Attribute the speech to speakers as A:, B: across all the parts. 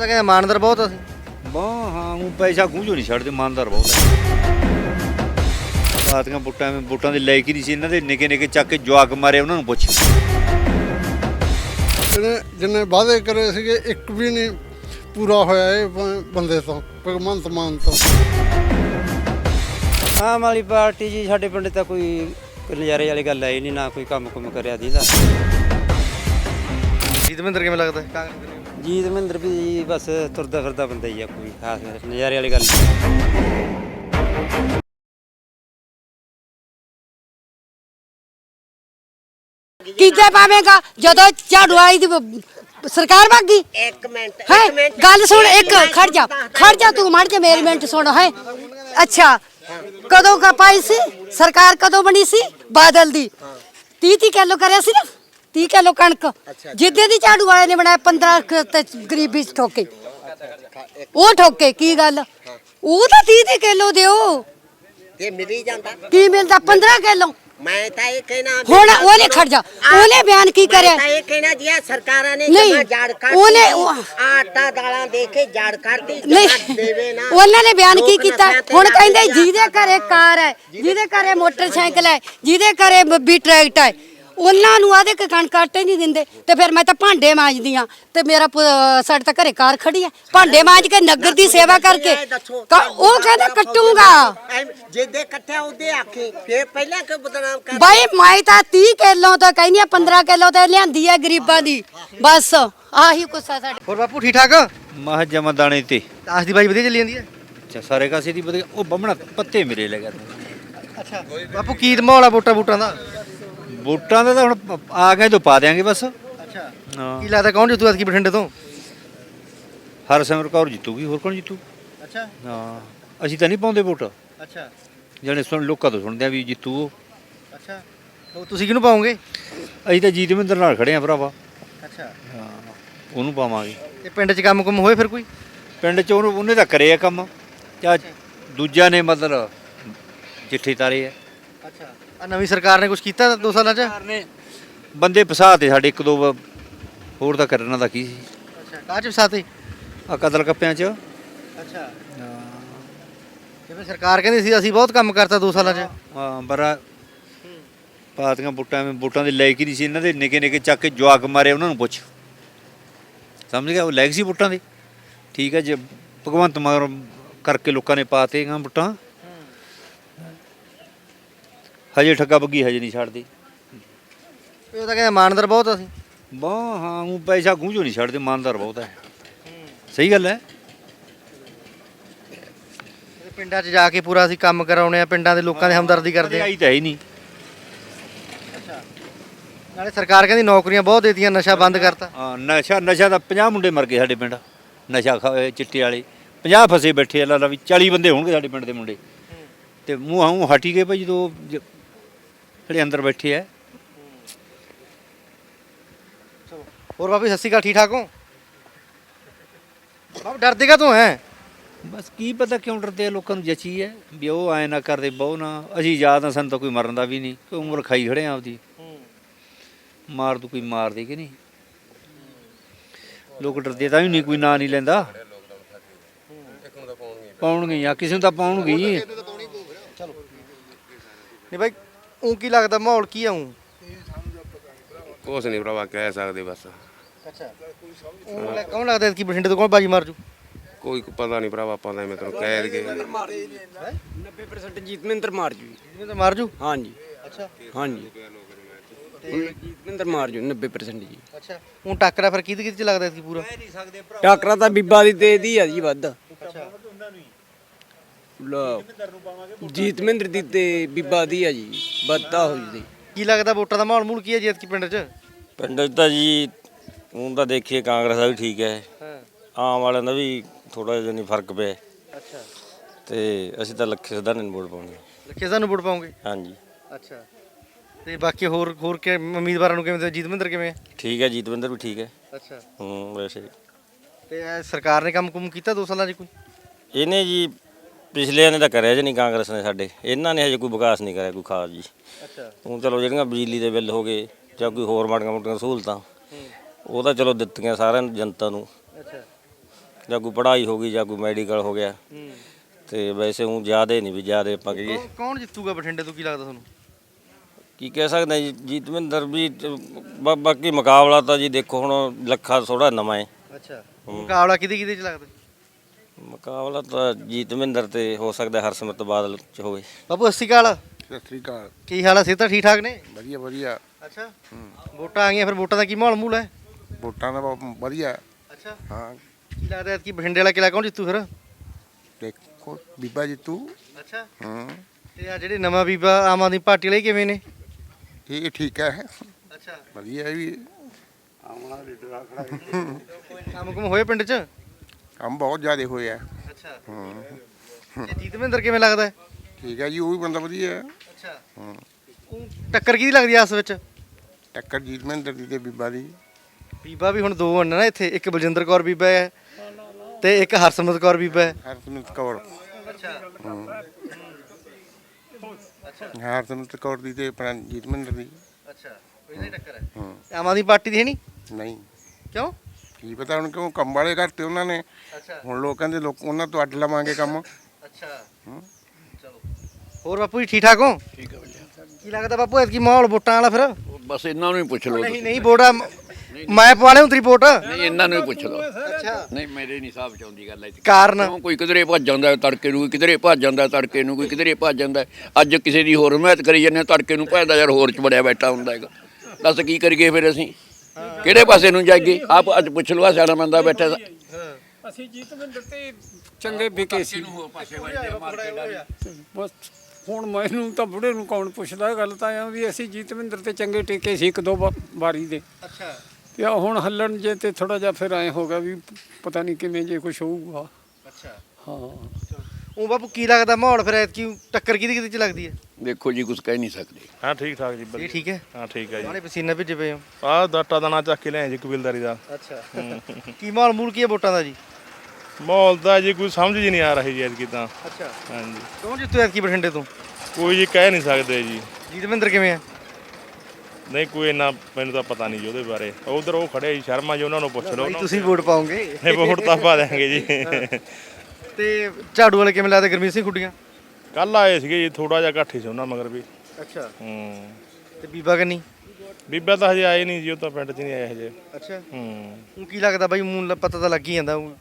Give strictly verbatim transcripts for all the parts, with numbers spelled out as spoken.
A: ਤਾਂ ਕਹਿੰਦੇ ਇਮਾਨਦਾਰ ਬਹੁਤ ਅਸੀਂ
B: ਬਾਹ ਹਾਂ ਉਹ ਪੈਸਾ ਗੂੰਝੋ ਨਹੀਂ ਛੱਡਦੇ, ਇਮਾਨਦਾਰ ਬਹੁਤ ਹੈ। ਬਾਤੀਆਂ ਬੁੱਟਾਂ ਬੁੱਟਾਂ ਦੇ ਲੈ ਕੇ ਨਹੀਂ ਸੀ ਇਹਨਾਂ ਦੇ ਨਿੱਕੇ ਨਿੱਕੇ ਚੱਕ ਕੇ ਜਵਾਕ ਮਾਰੇ, ਉਹਨਾਂ ਨੂੰ ਪੁੱਛ।
C: ਇਹਨੇ ਜਿੰਨੇ ਵਾਅਦੇ ਕਰੇ ਸੀਗੇ ਇੱਕ ਵੀ ਨਹੀਂ ਪੂਰਾ ਹੋਇਆ ਇਹ ਬ- ਬੰਦੇ ਤੋਂ, ਭਗਵੰਤ ਮਾਨ ਤੋਂ।
D: ਆਮ ਵਾਲੀ ਪਾਰਟੀ ਜੀ ਸਾਡੇ ਪਿੰਡ ਤਾਂ ਕੋਈ ਨਜ਼ਾਰੇ ਵਾਲੀ ਗੱਲ ਹੈ ਹੀ ਨਹੀਂ, ਨਾ ਕੋਈ ਕੰਮ ਕੁਮ ਕਰਿਆ ਦੀਦਾ।
A: ਜੀਤਮਿੰਦਰ ਕਿਵੇਂ ਲੱਗਦਾ ਕਾਂਗਰਸ ਦੇ?
D: ਜੀਤ ਮਹਿੰਦਰ ਵੀ ਬਸ ਤੁਰਦਾ ਫਿਰਦਾ ਬੰਦਾ ਹੀ ਆ, ਕੋਈ ਖਾਸ ਨਜ਼ਾਰੇ ਵਾਲੀ ਗੱਲ ਨਹੀਂ।
E: ਕਿੱਦਾਂ ਪਾਵੇਂਗਾ ਜਦੋਂ ਝਾੜੂ ਵਾਲੀ ਦੀ ਬ- ਸਰਕਾਰ ਵਗ ਗਈ?
F: ਇੱਕ ਮਿੰਟ
E: ਹੈ
F: ਇੱਕ ਮਿੰਟ
E: ਗੱਲ ਸੁਣ, ਇੱਕ ਖੜ ਜਾ ਖੜ ਜਾ ਤੂੰ ਮੜ ਜਾ ਮੇਰੀ ਮਿੰਟ ਸੁਣ। ਹੈ ਅੱਛਾ ਕਦੋਂ ਕਾ ਪਾਈ ਸੀ ਸਰਕਾਰ, ਕਦੋਂ ਬਣੀ ਸੀ? ਬਾਦਲ ਦੀ ਤੀਹ ਤੀਹ ਕਿਲੋ ਕਰਿਆ ਸੀ ਨਾ, ਤੀਹ ਕਿਲੋ ਕਣਕ ਜਿੱਦੇ ਦੀ ਝਾੜੂ ਵਾਲੇ ਨੇ ਬਣਾਇਆ ਪੰਦਰਾਂ ਤੇ ਗਰੀਬੀ ਚ ਠੋਕੇ, ਉਹ ਠੋਕੇ ਕੀ ਗੱਲ, ਉਹ ਤਾਂ ਤੀਹ ਤੀਹ ਕਿਲੋ ਦਿਓ,
F: ਇਹ ਮਿਲੀ ਜਾਂਦਾ।
E: ਕੀ ਮਿਲਦਾ ਪੰਦਰਾਂ ਕਿਲੋ?
F: ਮੈਂ ਤਾਂ ਇਹ ਕਹਿਣਾ
E: ਹੁਣ ਉਹਨੇ ਖੜ ਜਾ, ਉਹਨੇ ਬਿਆਨ ਕੀ ਕਰਿਆ?
F: ਮੈਂ ਤਾਂ ਇਹ ਕਹਿਣਾ ਜੀ ਸਰਕਾਰਾਂ ਨੇ
E: ਨਹੀਂ,
F: ਜਮਾ ਜਾੜ ਕੱਢ
E: ਉਹਨੇ
F: ਆਟਾ ਦਾਲਾਂ ਦੇ ਕੇ ਜਾੜ ਕੱਢਦੀ,
E: ਨਹੀਂ
F: ਜਮਾ ਦੇਵੇ ਨਾ।
E: ਉਹਨਾਂ ਨੇ ਬਿਆਨ ਕੀ
F: ਲੋਕ
E: ਕੀਤਾ?
F: ਨਸ਼ਿਆਂ ਤੇ
E: ਹੁਣ
F: ਲੱਗ
E: ਕਹਿੰਦੇ
F: ਜਾਂਦੇ
E: ਜਿਹਦੇ ਘਰੇ ਕਾਰ ਹੈ, ਜਿਹਦੇ ਘਰੇ ਮੋਟਰਸਾਈਕਲ ਹੈ, ਜਿਹਦੇ ਘਰੇ ਬ- ਵੀ ਟਰੈਕਟਰ ਹੈ, ਉਹਨਾਂ ਨੂੰ ਆਦੇ ਕਿ ਕਣਕ ਆਟੇ ਨਹੀਂ ਦਿੰਦੇ। ਤੇ ਫਿਰ ਮੈਂ ਤਾਂ ਭਾਂਡੇ ਮਾਂਜਦੀ ਆ ਤੇ ਮੇਰਾ ਪੁ- ਸਾਡੇ ਤਾਂ ਘਰੇ ਕਾਰ ਖੜੀ ਹੈ, ਭਾਂਡੇ ਮਾਂਜ ਕੇ ਨਗਰ ਦੀ ਸੇਵਾ ਕਰਕੇ ਕ- ਉਹ ਕਹਿੰਦਾ ਕੱਟੂਗਾ।
F: ਜਿੱਦੇ ਇਕੱਠਿਆ ਉਹਦੇ ਆਖੇ ਫੇਰ ਪਹਿਲਾਂ ਕਿ ਬਦਨਾਮ ਕਰ।
E: ਬਾਈ ਮੈਂ ਤਾਂ ਤੀਹ ਕਿਲੋ ਤਾਂ ਕਹਿੰਦੀ ਆ, ਪੰਦਰਾਂ ਕਿਲੋ ਤਾਂ ਲਿਆਂਦੀ ਆ ਗਰੀਬਾਂ ਦੀ, ਬਸ ਆਹੀ ਗੁੱਸਾ ਸਾਡੇ।
A: ਹੋਰ ਬਾਪੂ ਠੀਕ ਠਾਕ?
B: ਮਾਹ ਜਮਾ ਦਾਣੇ ਤੇ
A: ਆਸ ਦੀ ਬਾਈ ਵਧੀਆ ਚੱਲੀ ਜਾਂਦੀ ਹੈ?
B: ਅੱਛਾ ਸਾਰੇ ਕਾਸੇ ਦੀ ਵਧੀਆ। ਉਹ ਬੰਮਣਾ ਪੱਤੇ ਮੇਰੇ ਲੈ ਗਿਆ।
A: ਅੱਛਾ ਬਾਪੂ ਕੀ ਮਾਹੌਲ ਆ ਵੋਟਾਂ ਵੋਟਾਂ ਦਾ?
B: ਵੋਟਾਂ ਦਾ ਤਾਂ ਹੁਣ ਪ- ਆ ਗਏ ਤੋਂ ਪਾ ਦਿਆਂਗੇ ਬਸ।
A: ਅੱਛਾ
B: ਹਾਂ
A: ਕੀ ਲੱਗਦਾ ਕੌਣ ਜਿੱਤੂ ਐਤਕੀ ਬਠਿੰਡੇ ਤੋਂ?
B: ਹਰਸਿਮਰਤ ਕੌਰ ਜਿੱਤੂਗੀ, ਹੋਰ ਕੌਣ ਜਿੱਤੂ?
A: ਅੱਛਾ
B: ਹਾਂ ਅਸੀਂ ਤਾਂ ਨਹੀਂ ਪਾਉਂਦੇ ਵੋਟ,
A: ਅੱਛਾ
B: ਜਾਣੇ ਸੁਣ ਲੋਕਾਂ ਤੋਂ ਸੁਣਦੇ ਆ ਵੀ ਜਿੱਤੂ ਉਹ।
A: ਅੱਛਾ ਉਹ ਤੁਸੀਂ ਕਿਹਨੂੰ ਪਾਓਗੇ?
B: ਅਸੀਂ ਤਾਂ ਜੀਤਮਿੰਦਰ ਨਾਲ ਖੜੇ ਆ ਭਰਾਵਾ।
A: ਅੱਛਾ
B: ਹਾਂ ਉਹਨੂੰ ਪਾਵਾਂਗੇ।
A: ਤੇ ਪਿੰਡ 'ਚ ਕੰਮ ਕੁਮ ਹੋਏ ਫਿਰ ਕੋਈ?
B: ਪਿੰਡ 'ਚ ਉਹਨੂੰ ਉਹਨੇ ਤਾਂ ਕਰੇ ਆ ਕੰਮ, ਜਾਂ ਦੂਜਿਆਂ ਨੇ ਮਤਲਬ ਚਿੱਠੀ ਤਾਰੇ ਆ।
A: ਅੱਛਾ ਆ ਨਵੀਂ ਸਰਕਾਰ ਨੇ ਕੁਝ ਕੀਤਾ ਦੋ ਸਾਲਾਂ 'ਚ?
B: ਸਰਕਾਰ ਨੇ ਬੰਦੇ ਫਸਾ ਤੇ ਸਾਡੇ ਇੱਕ ਦੋ ਵਾ- ਹੋਰ ਤਾਂ ਕਰਨਾ ਦਾ ਕੀ ਸੀ,
A: ਅੱਛਾ ਕਾਹ 'ਚ ਫਸਾਤੇ?
B: ਆ ਕਤਲ ਕੱਪਿਆਂ 'ਚ।
A: ਅੱਛਾ ਜਿਵੇਂ ਸਰਕਾਰ ਕਹਿੰਦੀ ਸੀ ਅਸੀਂ ਬਹੁਤ ਕੰਮ ਕਰਤਾ ਦੋ ਸਾਲਾਂ 'ਚ।
B: ਹਾਂ ਬਰਾ ਪਾਤੀਆਂ ਬੁੱਟਾਂ ਬੁੱਟਾਂ ਦੇ ਲੈ ਕੇ ਨਹੀਂ ਸੀ ਇਹਨਾਂ ਦੇ ਨਿੱਕੇ ਨਿੱਕੇ ਚੱਕ ਕੇ ਜਵਾਕ ਮਾਰੇ, ਉਹਨਾਂ ਨੂੰ ਪੁੱਛ। ਸਮਝ ਗਿਆ? ਉਹ ਲੈ ਗਏ ਸੀ ਬੁੱਟਾਂ ਦੇ। ਠੀਕ ਹੈ ਜੇ ਭਗਵੰਤ ਮਾਨ ਕਰਕੇ ਲੋਕਾਂ ਨੇ ਪਾਤੇ ਗਾ ਬੁੱਟਾਂ, ਹਜੇ ਠੱਗਾ ਬੱਗੀ ਹਜੇ ਨਹੀਂ ਛੱਡਦੇ।
A: ਉਹ ਤਾਂ ਕਹਿੰਦੇ ਇਮਾਨਦਾਰ ਬਹੁਤ ਅਸੀਂ
B: ਬਾਹ ਹਾਂ ਉਹ ਪੈਸਾ ਗੂੰਝੋ ਨਹੀਂ ਛੱਡਦੇ, ਇਮਾਨਦਾਰ ਬਹੁਤ ਹੈ। ਸਹੀ ਗੱਲ ਹੈ।
A: ਪਿੰਡਾਂ 'ਚ ਜਾ ਕੇ ਪੂਰਾ ਅਸੀਂ ਕੰਮ ਕਰਾਉਣੇ ਆ, ਪਿੰਡਾਂ ਦੇ ਲੋਕਾਂ ਦੇ ਹਮਦਰਦੀ ਕਰਦੇ ਆ।
B: ਆਈ ਤਾਂ ਹੈ ਹੀ ਨਹੀਂ।
A: ਨਾਲੇ ਸਰਕਾਰ ਕਹਿੰਦੀ ਨੌਕਰੀਆਂ ਬਹੁਤ ਦੇਤੀਆਂ, ਨਸ਼ਾ ਬੰਦ ਕਰਤਾ।
B: ਹਾਂ ਨਸ਼ਾ ਨਸ਼ਾ ਦਾ ਪੰਜਾਹ ਮੁੰਡੇ ਮਰ ਗਏ ਸਾਡੇ ਪਿੰਡ, ਨਸ਼ਾ ਖਾ ਚਿੱਟੇ ਵਾਲੇ ਪੰਜਾਹ ਫਸੇ ਬੈਠੇ ਆ। ਲਾ ਲਾ ਵੀ ਚਾਲੀ ਬੰਦੇ ਹੋਣਗੇ ਸਾਡੇ ਪਿੰਡ ਦੇ ਮੁੰਡੇ, ਤੇ ਮੂੰਹ ਆਉਂ ਹਟੀ ਗਏ ਭਾਈ ਜਦੋਂ ਜ- ਜਿਹੜੇ ਅੰਦਰ ਬੈਠੇ ਆ।
A: ਹੋਰ ਬਾਬੀ ਸਤਿ ਸ਼੍ਰੀ ਅਕਾਲ, ਠੀਕ ਠਾਕ ਹੋ? ਬਾਬੂ ਡਰਦੇ ਕਾ ਤੂੰ ਹੈ?
B: ਬਸ ਕੀ ਪਤਾ ਕਿਉਂ ਡਰਦੇ ਆ, ਲੋਕਾਂ ਨੂੰ ਜਚੀ ਹੈ ਵੀ ਉਹ ਐਂ ਨਾ ਕਰਦੇ ਬਹੁ ਨਾ। ਅਸੀਂ ਯਾਦ ਆ, ਸਾਨੂੰ ਤਾਂ ਕੋਈ ਮਰਨ ਦਾ ਵੀ ਨਹੀਂ, ਕੋਈ ਉਮਰ ਖਾਈ ਖੜੇ ਆ ਆਪਦੀ। ਮਾਰ ਤੂੰ ਕੋਈ ਮਾਰ ਦੇ ਕਿ ਨਹੀਂ, ਲੋਕ ਡਰਦੇ ਤਾਂ ਵੀ ਨਹੀਂ, ਕੋਈ ਨਾਂ ਨਹੀਂ ਲੈਂਦਾ। ਪਾਉਣਗੇ ਆ ਕਿਸੇ ਨੂੰ ਤਾਂ ਪਾਉਣਗੇ।
A: ਨਹੀਂ ਬਾਈ ਉਹ ਕੀ ਲੱਗਦਾ ਮਾਹੌਲ ਕੀ ਆਉਂ?
G: ਕੁਛ ਨਹੀਂ ਭਰਾਵਾ ਕਹਿ ਸਕਦੇ ਬਸ।
A: ਅੱਛਾ ਉਹ ਲੈ ਕੌਣ ਲੱਗਦਾ ਕਿ ਬਠਿੰਡੇ ਤੋਂ ਕੌਣ ਬਾਜੀ ਮਾਰ ਜੂ?
G: ਕੋਈ ਪਤਾ ਨਹੀਂ ਭਰਾਵਾ, ਆਪਾਂ ਤਾਂ ਮੈਂ ਤੈਨੂੰ ਕਹਿ ਦਈਏ।
D: ਨੱਬੇ ਪ੍ਰਸੈਂਟ ਜੀਤ ਮਹਿੰਦਰ ਮਾਰ ਜੂ।
A: ਇਹਨੂੰ ਤਾਂ ਮਾਰ ਜੂ?
D: ਹਾਂਜੀ
A: ਅੱਛਾ
D: ਹਾਂਜੀ ਜੀਤ ਮਹਿੰਦਰ ਮਾਰ ਜੂ ਨੱਬੇ ਪ੍ਰਸੈਂਟ ਜੀ।
A: ਅੱਛਾ ਹੁਣ ਟੱਕਰਾ ਫਿਰ ਕਿਹਦੇ ਕਿਹਦੇ ਚ ਲੱਗਦਾ ਸੀ ਪੂਰਾ?
D: ਟਾਕਰਾ ਤਾਂ ਬੀਬਾ ਦੀ ਤੇ ਇਹਦੀ ਆ ਜੀ ਵੱਧ। ਲਓ ਜੀਤ ਮਹਿੰਦਰ ਦੀ ਤੇ ਬੀਬਾ ਦੀ ਆ ਜੀ, ਵੱਧਾ ਹੋ ਜੀ।
A: ਕੀ ਲੱਗਦਾ ਵੋਟਾਂ ਦਾ ਮਾਹੌਲ ਮੂਲ ਕੀ ਹੈ ਜੀ ਐਤਕੀ ਪਿੰਡ 'ਚ?
H: ਪਿੰਡ 'ਚ ਤਾਂ ਜੀ ਹੁਣ ਤਾਂ ਦੇਖੀਏ ਕਾਂਗਰਸ ਦਾ ਵੀ ਠੀਕ ਹੈ, ਆਮ ਵਾਲਿਆਂ ਦਾ ਵੀ ਥੋੜਾ ਜਿਹਾ ਨਹੀਂ ਫਰਕ ਪਿਆ।
A: ਅੱਛਾ
H: ਤੇ ਅਸੀਂ ਤਾਂ ਲੱਖੇ ਸਿਧਾਣੇ ਨੂੰ ਵੋਟ ਪਾਉਣੀ।
A: ਲੱਖੇ ਸਾਨੂੰ ਵੋਟ ਪਾਉਂਗੇ?
H: ਹਾਂਜੀ
A: ਅੱਛਾ ਤੇ ਬਾਕੀ ਹੋਰ ਹੋਰ ਕਿ ਉਮੀਦਵਾਰਾਂ ਨੂੰ ਕਿਵੇਂ ਤੇ ਜੀਤਮਿੰਦਰ ਕਿਵੇਂ ਹੈ?
H: ਠੀਕ ਹੈ, ਜੀਤਵਿੰਦਰ ਵੀ ਠੀਕ ਹੈ।
A: ਅੱਛਾ
H: ਹੂੰ ਵੈਸੇ
A: ਤੇ ਇਹ ਸਰਕਾਰ ਨੇ ਕੰਮ ਕੁਮ ਕੀਤਾ ਦੋ ਸਾਲਾਂ 'ਚ ਕੋਈ?
H: ਇਹਨੇ ਜੀ ਪਿਛਲਿਆਂ ਨੇ ਤਾਂ ਕਰਿਆ ਜੀ ਨਹੀਂ, ਕਾਂਗਰਸ ਨੇ ਸਾਡੇ, ਇਹਨਾਂ ਨੇ ਹਜੇ ਕੋਈ ਵਿਕਾਸ ਨਹੀਂ ਕਰਿਆ ਕੋਈ ਖਾਸ ਜੀ।
A: ਅੱਛਾ
H: ਹੁਣ ਚਲੋ ਜਿਹੜੀਆਂ ਬਿਜਲੀ ਦੇ ਬਿੱਲ ਹੋ ਗਏ ਜਾਂ ਕੋਈ ਹੋਰ ਮਾੜੀਆਂ ਮੋਟੀਆਂ ਸਹੂਲਤਾਂ, ਉਹ ਤਾਂ ਚਲੋ ਦਿੱਤੀਆਂ ਸਾਰਿਆਂ ਨੂੰ, ਜਨਤਾ ਨੂੰ।
A: ਅੱਛਾ
H: ਜਾਂ ਕੋਈ ਪੜ੍ਹਾਈ ਹੋ ਗਈ ਜਾਂ ਕੋਈ ਮੈਡੀਕਲ ਹੋ ਗਿਆ ਤੇ ਵੈਸੇ ਉਹ ਜ਼ਿਆਦਾ ਨਹੀਂ ਵੀ ਜ਼ਿਆਦਾ ਆਪਾਂ ਕਹੀਏ।
A: ਕੌਣ- ਕੌਣ ਜਿੱਤੂਗਾ ਬਠਿੰਡੇ ਤੋਂ ਕੀ ਲੱਗਦਾ ਤੁਹਾਨੂੰ?
H: ਕੀ ਕਹਿ ਸਕਦੇ ਜੀ ਜੀਤਵਿੰਦਰ ਵੀ ਬਾ- ਬਾਕੀ ਮੁਕਾਬਲਾ ਤਾਂ ਜੀ ਦੇਖੋ ਹੁਣ ਲੱਖਾ ਥੋੜਾ ਨਵਾਂ ਹੈ।
A: ਅੱਛਾ ਮੁਕਾਬਲਾ ਕਿਹਦੇ ਕਿਹਦੇ ਚ ਲੱਗਦਾ?
H: ਮੁਕਾਬਲਾ ਤਾਂ ਜੀਤਵਿੰਦਰ ਤੇ ਹੋ ਸਕਦਾ ਹਰਸਿਮਰਤ ਬਾਦਲ ਚ ਹੋਵੇ।
A: ਬਾਪੂ ਸਤਿ ਸ਼੍ਰੀ ਅਕਾਲ,
G: ਸਤਿ ਸ੍ਰੀ ਅਕਾਲ।
A: ਕੀ ਹਾਲ ਆ? ਸਿਹਤਾਂ ਠੀਕ ਠਾਕ ਨੇ?
G: ਵਧੀਆ ਵਧੀਆ।
A: ਅੱਛਾ ਵੋਟਾਂ ਆ ਗਈਆਂ, ਫਿਰ ਵੋਟਾਂ ਦਾ ਕੀ ਮਾਹੌਲ ਮੂਲ ਹੈ?
G: ਵੋਟਾਂ ਦਾ ਬਹੁਤ ਵਧੀਆ।
A: ਅੱਛਾ
G: ਹਾਂ
A: ਕੀ ਲੱਗਦਾ ਕਿ ਬਠਿੰਡੇ ਵਾਲਾ ਕਿਲਾ ਕੌਣ ਜਿੱਤੂ ਫਿਰ?
G: ਦੇਖੋ ਬੀਬਾ ਜੀਤੂ।
A: ਅੱਛਾ
G: ਹਾਂ
A: ਤੇ ਆ ਜਿਹੜੇ ਨਵਾਂ ਬੀਬਾ ਆਮ ਆਦਮੀ ਪਾਰਟੀ ਵਾਲੇ ਕਿਵੇਂ ਨੇ?
G: ਇਹ ਠੀਕ ਹੈ,
A: ਅੱਛਾ
G: ਵਧੀਆ ਇਹ ਵੀ।
A: ਕੰਮ ਕੁਮ ਹੋਏ ਪਿੰਡ 'ਚ?
G: ਕੰਮ ਬਹੁਤ ਜ਼ਿਆਦਾ ਹੋਏ ਆ।
A: ਅੱਛਾ
G: ਹਾਂ
A: ਤੇ ਜੀਤਵਿੰਦਰ ਕਿਵੇਂ ਲੱਗਦਾ ਹੈ?
G: ਠੀਕ ਹੈ ਜੀ, ਉਹ ਵੀ ਬੰਦਾ ਵਧੀਆ ਹੈ।
A: ਅੱਛਾ
G: ਹਾਂ
A: ਉਹ ਟੱਕਰ ਕਿਹਦੀ ਲੱਗਦੀ ਆ ਆਪਸ ਵਿੱਚ?
G: ਟੱਕਰ ਜੀਤਮਿੰਦਰ ਦੀ ਤੇ ਬੀਬਾ ਦੀ।
A: ਬੀਬਾ ਵੀ ਹੁਣ ਦੋ ਹਨ ਨਾ ਇੱਥੇ, ਇੱਕ ਬਲਜਿੰਦਰ ਕੌਰ ਬੀਬਾ ਹੈ ਤੇ ਇੱਕ ਹਰਸਿਮਰਤ ਕੌਰ ਬੀਬਾ ਹੈ।
G: ਹਰਸਿਮਰਤ ਕੌਰ।
A: ਅੱਛਾ
G: ਹਰਸਿਮਰਤ ਕੌਰ ਦੀ ਤੇ ਆਪਣਾ ਜੀਤਮਿੰਦਰ ਦੀ।
A: ਅੱਛਾ ਇਹਦੀ ਟੱਕਰ ਹੈ।
G: ਹਾਂ
A: ਆਮ ਆਦਮੀ ਪਾਰਟੀ ਦੀ ਹੈ ਨਹੀਂ?
G: ਨਹੀਂ
A: ਕਿਉਂ?
G: ਕੀ ਪਤਾ ਹੁਣ ਕਿਉਂ ਕੰਮ ਵਾਲੇ ਕਰਤੇ ਉਹਨਾਂ ਨੇ।
A: ਅੱਛਾ
G: ਹੁਣ ਲੋਕਾਂ ਦੇ ਲੋਕ ਉਹਨਾਂ ਤੋਂ ਅੱਡ ਲਵਾਂਗੇ ਕੰਮ।
A: ਅੱਛਾ ਚਲੋ ਹੋਰ ਬਾਪੂ ਜੀ ਠੀਕ ਠਾਕ ਹੋ?
I: ਠੀਕ ਹੈ ਵਧੀਆ।
A: ਕੀ ਲੱਗਦਾ ਬਾਪੂ ਐਤਕੀ ਮਾਹੌਲ ਵੋਟਾਂ ਵਾਲਾ ਫਿਰ?
I: ਬਸ ਇਹਨਾਂ ਨੂੰ ਹੀ ਪੁੱਛ ਲਓ
A: ਨਹੀਂ
I: ਤੁਸੀਂ।
A: ਨਹੀਂ ਵੋਟਾਂ ਮੈਂ ਪਵਾ ਲਿਆ ਤੇਰੀ ਵੋਟ।
I: ਨਹੀਂ ਇਹਨਾਂ ਨੂੰ ਹੀ ਪੁੱਛ ਲਓ।
A: ਅੱਛਾ
I: ਨਹੀਂ ਮੇਰੇ ਨਹੀਂ ਹਿਸਾਬ ਚ ਆਉਂਦੀ ਗੱਲ।
A: ਕਾਰਨ?
I: ਕਿਉਂ ਕੋਈ ਕਿਧਰੇ ਭੱਜ ਜਾਂਦਾ ਹੈ ਤੜਕੇ ਨੂੰ, ਕੋਈ ਕਿਧਰੇ ਭੱਜ ਜਾਂਦਾ ਹੈ ਤੜਕੇ ਨੂੰ, ਕੋਈ ਕਿਧਰੇ ਭੱਜ ਜਾਂਦਾ ਹੈ। ਅੱਜ ਕਿਸੇ ਦੀ ਹੋਰ ਹਮਾਇਤ ਕਰੀ ਜਾਂਦੇ ਹਾਂ, ਤੜਕੇ ਨੂੰ ਭੱਜਦਾ ਯਾਰ ਹੋਰ ਚ ਬੜਿਆ ਬੈਠਾ ਹੁੰਦਾ ਹੈਗਾ। ਦੱਸ ਕੀ ਕਰੀਏ ਫਿਰ ਅਸੀਂ, ਕਿਹੜੇ ਪਾਸੇ ਨੂੰ ਜਾਈਏ? ਆਪ ਅੱਜ ਪੁੱਛ ਲਓ, ਆ ਸਿਆਣਾ ਬੰਦਾ ਬੈਠਾ।
J: ਅਸੀਂ ਜੀਤਵਿੰਦਰ ਤੇ ਚੰਗੇ ਵਿਕੇ ਸੀ। ਬਸ ਹੁਣ ਮੈਨੂੰ ਤਾਂ ਬੁੜੇ ਨੂੰ ਕੌਣ ਪੁੱਛਦਾ? ਗੱਲ ਤਾਂ ਆ ਵੀ ਅਸੀਂ ਜੀਤਵਿੰਦਰ ਤੇ ਚੰਗੇ ਟੇਕੇ ਸੀ ਇੱਕ ਦੋ ਵਾ- ਵਾਰੀ ਦੇ।
A: ਅੱਛਾ
J: ਤੇ ਆਹ ਹੁਣ ਹੱਲਣ ਜੇ ਤੇ ਥੋੜਾ ਜਿਹਾ ਫਿਰ ਐ ਹੋ ਗਿਆ ਵੀ ਪਤਾ ਨਹੀਂ ਕਿਵੇਂ ਜੇ ਕੁਝ ਹੋਊਗਾ।
A: ਅੱਛਾ
J: ਹਾਂ
A: ਉਹ ਬਾਪੂ ਕੀ ਲੱਗਦਾ ਮਾਹੌਲ ਫਿਰ ਐਤਕੀ ਟੱਕਰ ਕਿਹਦੀ ਕਿਹਦੀ ਚ ਲੱਗਦੀ ਹੈ?
I: ਦੇਖੋ ਜੀ ਕੁਝ ਕਹਿ ਨਹੀਂ ਸਕਦੇ।
K: ਹਾਂ ਠੀਕ ਠਾਕ ਜੀ
A: ਇਹ ਠੀਕ ਹੈ?
K: ਹਾਂ ਠੀਕ ਹੈ ਜੀ।
A: ਸਾਰੇ ਪਸੀਨੇ ਭਿੱਜੇ ਪਏ ਹੋ।
K: ਆਹ ਦਾਟਾ ਦਾਣਾ ਚੱਕ ਕੇ ਲਿਆਏ ਜੀ ਕਬੀਲਦਾਰੀ ਦਾ।
A: ਅੱਛਾ ਕੀ ਮਾਹੌਲ ਮੂਲ ਕੀ ਹੈ ਵੋਟਾਂ ਦਾ ਜੀ?
K: ਮਾਹੌਲ ਦਾ ਜੀ ਕੋਈ ਸਮਝ ਜੀ ਨਹੀਂ ਆ ਰਹੀ ਜੀ ਐਤਕੀ ਤਾਂ।
A: ਅੱਛਾ
K: ਹਾਂਜੀ
A: ਕੌਣ ਜਿੱਤੂ ਐਤਕੀ ਬਠਿੰਡੇ ਤੋਂ?
K: ਕੋਈ ਜੀ ਕਹਿ ਨਹੀਂ ਸਕਦੇ ਜੀ।
A: ਜੀਤਵਿੰਦਰ ਕਿਵੇਂ ਹੈ?
K: ਨਹੀਂ ਕੋਈ ਇੰਨਾ ਮੈਨੂੰ ਤਾਂ ਪਤਾ ਨਹੀਂ ਜੀ ਉਹਦੇ ਬਾਰੇ। ਉਧਰ ਉਹ ਖੜੇ ਜੀ ਸ਼ਰਮਾ ਜੀ, ਉਹਨਾਂ ਨੂੰ ਪੁੱਛ ਲਓ।
A: ਭਾਈ ਤੁਸੀਂ ਵੋਟ ਪਾਓਗੇ?
K: ਨਹੀਂ ਵੋਟ ਤਾਂ ਪਾ ਦੇਾਂਗੇ ਜੀ।
A: ਤੇ ਝਾੜੂ ਵਾਲੇ ਕਿਵੇਂ ਲੱਗਦੇ? ਗੁਰਮੀਤ ਸਿੰਘ ਖੁੱਡੀਆਂ
K: ਕੱਲ ਆਏ ਸੀਗੇ ਜੀ, ਥੋੜਾ ਜਿਹਾ ਘੱਟ ਹੀ ਸੀ ਉਹਨਾਂ ਮਗਰ ਵੀ।
A: ਅੱਛਾ
K: ਹੂੰ
A: ਤੇ ਬੀਬਾ ਕੰਨੀ?
K: ਬੀਬਾ ਤਾਂ ਹਜੇ ਆਏ ਨਹੀਂ ਜੀ, ਉਹ ਤਾਂ ਪਿੰਡ 'ਚ ਨਹੀਂ ਆਏ ਹਜੇ।
A: ਅੱਛਾ
K: ਹੂੰ
A: ਉਹ ਕੀ ਲੱਗਦਾ ਬਾਈ ਮੂੰਹ ਪਤਾ ਤਾਂ ਲੱਗ ਹੀ ਜਾਂਦਾ ਊਂ।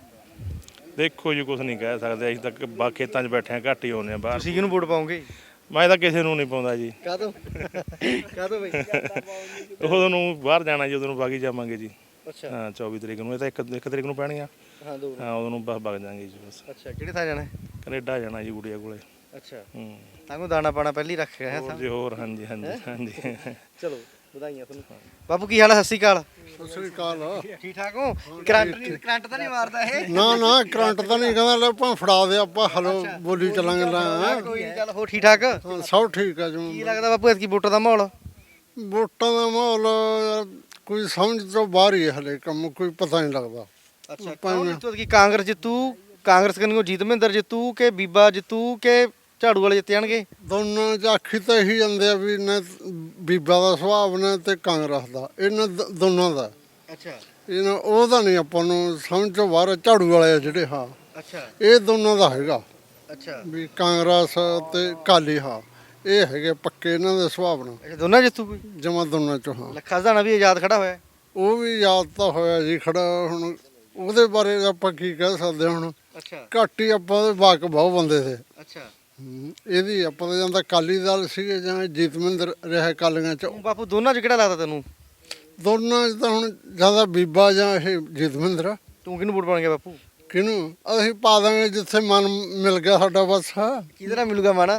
K: ਦੇਖੋ ਜੀ ਕੁਝ ਨਹੀਂ ਕਹਿ ਸਕਦੇ, ਅਸੀਂ ਤਾਂ ਬਾ ਖੇਤਾਂ 'ਚ ਬੈਠੇ ਆ, ਘੱਟ ਹੀ ਹੋਣੇ ਆ ਬਾਹਰ।
A: ਤੁਸੀਂ ਕਿਹਨੂੰ ਵੋਟ ਪਾਓਗੇ?
K: ਮੈਂ ਤਾਂ ਕਿਸੇ ਨੂੰ ਨਹੀਂ ਪਾਉਂਦਾ ਜੀ।
A: ਕਾਹਤੋਂ ਕਾਹਤੋਂ ਬਾਈ?
K: ਉਦੋਂ ਨੂੰ ਬਾਹਰ ਜਾਣਾ ਜੀ, ਉਦੋਂ ਨੂੰ ਵਗ ਹੀ ਜਾਵਾਂਗੇ ਜੀ।
A: ਅੱਛਾ
K: ਹਾਂ ਚੌਵੀ ਤਰੀਕ ਨੂੰ, ਇਹ ਤਾਂ ਇੱਕ ਇੱਕ ਤਰੀਕ ਨੂੰ ਪੈਣੀਆਂ।
A: ਹਾਂ ਦੋ
K: ਹਾਂ ਉਦੋਂ ਨੂੰ ਬਸ ਵਗ ਜਾਵਾਂਗੇ ਜੀ ਬਸ।
A: ਅੱਛਾ ਕਿਹੜੇ ਥਾਂ ਜਾਣਾ?
K: ਕੈਨੇਡਾ ਜਾਣਾ ਜੀ ਗੁੜੀਆ ਕੋਲੇ।
A: ਅੱਛਾ
K: ਹੂੰ
A: ਤਾਂਗੋ ਦਾਣਾ ਪਾਣਾ ਪਹਿਲੀ ਰੱਖ ਗਿਆ
K: ਹੋਰ ਜੀ ਹੋਰ। ਹਾਂਜੀ ਹਾਂਜੀ ਹਾਂਜੀ।
A: ਚਲੋ ਵਧਾਈਆਂ ਤੁਹਾਨੂੰ। ਬਾਪੂ ਕੀ ਹਾਲ ਹੈ? ਸਤਿ ਸ਼੍ਰੀ ਅਕਾਲ।
C: ਸਤਿ ਸ੍ਰੀ ਅਕਾਲ।
A: ਠੀਕ ਠਾਕ ਹੋ? ਕਰੰਟ ਨਹੀਂ ਕਰੰਟ ਤਾਂ ਨਹੀਂ ਮਾਰਦਾ ਇਹ?
C: ਨਾ ਨਾ ਕਰੰਟ ਤਾਂ ਨਹੀਂ ਕਹਿੰਦਾ, ਲੈ ਆਪਾਂ ਫੜਾ ਦੇ, ਆਪਾਂ ਹਲੋ ਬੋਲੀ ਚੱਲਾਂਗੇ। ਲੈ
A: ਕੋਈ ਨੀ, ਚੱਲ ਹੋ ਠੀਕ ਠਾਕ?
C: ਹਾਂ, ਸਭ ਠੀਕ ਆ ਜੀ।
A: ਕੀ ਲੱਗਦਾ ਬਾਪੂ ਐਤਕੀ ਵੋਟਾਂ ਦਾ ਮਾਹੌਲ?
C: ਵੋਟਾਂ ਦਾ ਮਾਹੌਲ ਯਾਰ ਕੋਈ ਸਮਝ ਤੋਂ ਬਾਹਰ ਹੀ ਹੈ ਹਲੇ, ਕੰਮ ਕੋਈ ਪਤਾ ਨਹੀਂ ਲੱਗਦਾ।
A: ਅੱਛਾ ਕੌਣ ਜਿੱਤੂ ਐਤਕੀ? ਕਾਂਗਰਸ ਜਿੱਤੂ? ਕਾਂਗਰਸ ਕੰਨਿਓ ਜੀਤਮਿੰਦਰ ਜਿੱਤੂ ਕਿ ਬੀਬਾ ਜਿੱਤੂ ਕਿ ਝਾੜੂ ਵਾਲੇ ਜਿੱਤ ਜਾਣਗੇ?
C: ਦੋਨਾਂ ਚ ਆਖੀ ਤਾਂ ਇਹੀ ਜਾਂਦੇ ਆ ਵੀ ਨਾ ਬੀਬਾ ਦਾ ਸੁਭਾਅ ਨੇ ਤੇ ਕਾਂਗਰਸ ਦਾ, ਇਹਨਾਂ ਦ- ਦੋਨਾਂ ਦਾ।
A: ਅੱਛਾ
C: ਇਹਨਾਂ ਉਹਦਾ ਨਹੀਂ ਆਪਾਂ ਨੂੰ ਸਮਝ ਤੋਂ ਬਾਹਰ, ਝਾੜੂ ਵਾਲੇ ਆ ਜਿਹੜੇ। ਹਾਂ
A: ਅੱਛਾ
C: ਇਹ ਦੋਨਾਂ ਦਾ ਹੈਗਾ
A: ਅੱਛਾ
C: ਵੀ ਕਾਂਗਰਸ ਤੇ ਕਾਲੀ। ਹਾਂ ਇਹ ਹੈਗੇ ਪੱਕੇ ਇਹਨਾਂ ਦੇ ਸੁਭਾਅ ਨਾਲ,
A: ਅੱਛਾ ਦੋਨਾਂ ਜਿੱਤੂ ਕੋਈ?
C: ਜਮਾ ਦੋਨਾਂ ਚੋਂ। ਹਾਂ
A: ਲੱਖਾ ਸਦਾਣਾ ਵੀ ਆਜ਼ਾਦ ਖੜਾ ਹੋਇਆ?
C: ਉਹ ਵੀ ਯਾਦ ਤਾਂ ਹੋਇਆ ਜੀ ਖੜਾ। ਹੁਣ ਉਹਦੇ ਬਾਰੇ ਆਪਾਂ ਕੀ ਕਹਿ ਸਕਦੇ ਹੁਣ,
A: ਅੱਛਾ
C: ਘੱਟ ਹੀ ਆਪਾਂ ਦੇ ਵਾਕ ਬਹੁਤ ਬੰਦੇ ਤੇ।
A: ਅੱਛਾ
C: ਹੂੰ, ਇਹਦੀ ਆਪਾਂ ਤਾਂ ਜਾਂਦਾ ਅਕਾਲੀ ਦਲ ਸੀਗੇ ਜਾਂ ਜੀਤਮਿੰਦਰ ਰਿਹਾ ਕਾਲੀਆਂ ਚ।
A: ਬਾਪੂ ਦੋਨਾਂ ਚ ਕਿਹੜਾ ਲੱਗਦਾ ਤੈਨੂੰ?
C: ਦੋਨਾਂ ਚ ਤਾਂ ਹੁਣ ਜ਼ਿਆਦਾ ਬੀਬਾ ਜਾਂ ਇਹ ਜੀਤਮਿੰਦਰ।
A: ਤੂੰ ਕਿਹਨੂੰ ਵੋਟ ਪਾਉਣਗੇ ਬਾਪੂ?
C: ਕਿਹਨੂੰ? ਅਸੀਂ ਪਾ ਦਾਂਗੇ ਜਿੱਥੇ ਮਨ ਮਿਲ ਗਿਆ ਸਾਡਾ। ਬਸ
A: ਕਿਹਦੇ ਨਾਲ ਮਿਲੂਗਾ ਮਾਣਾ?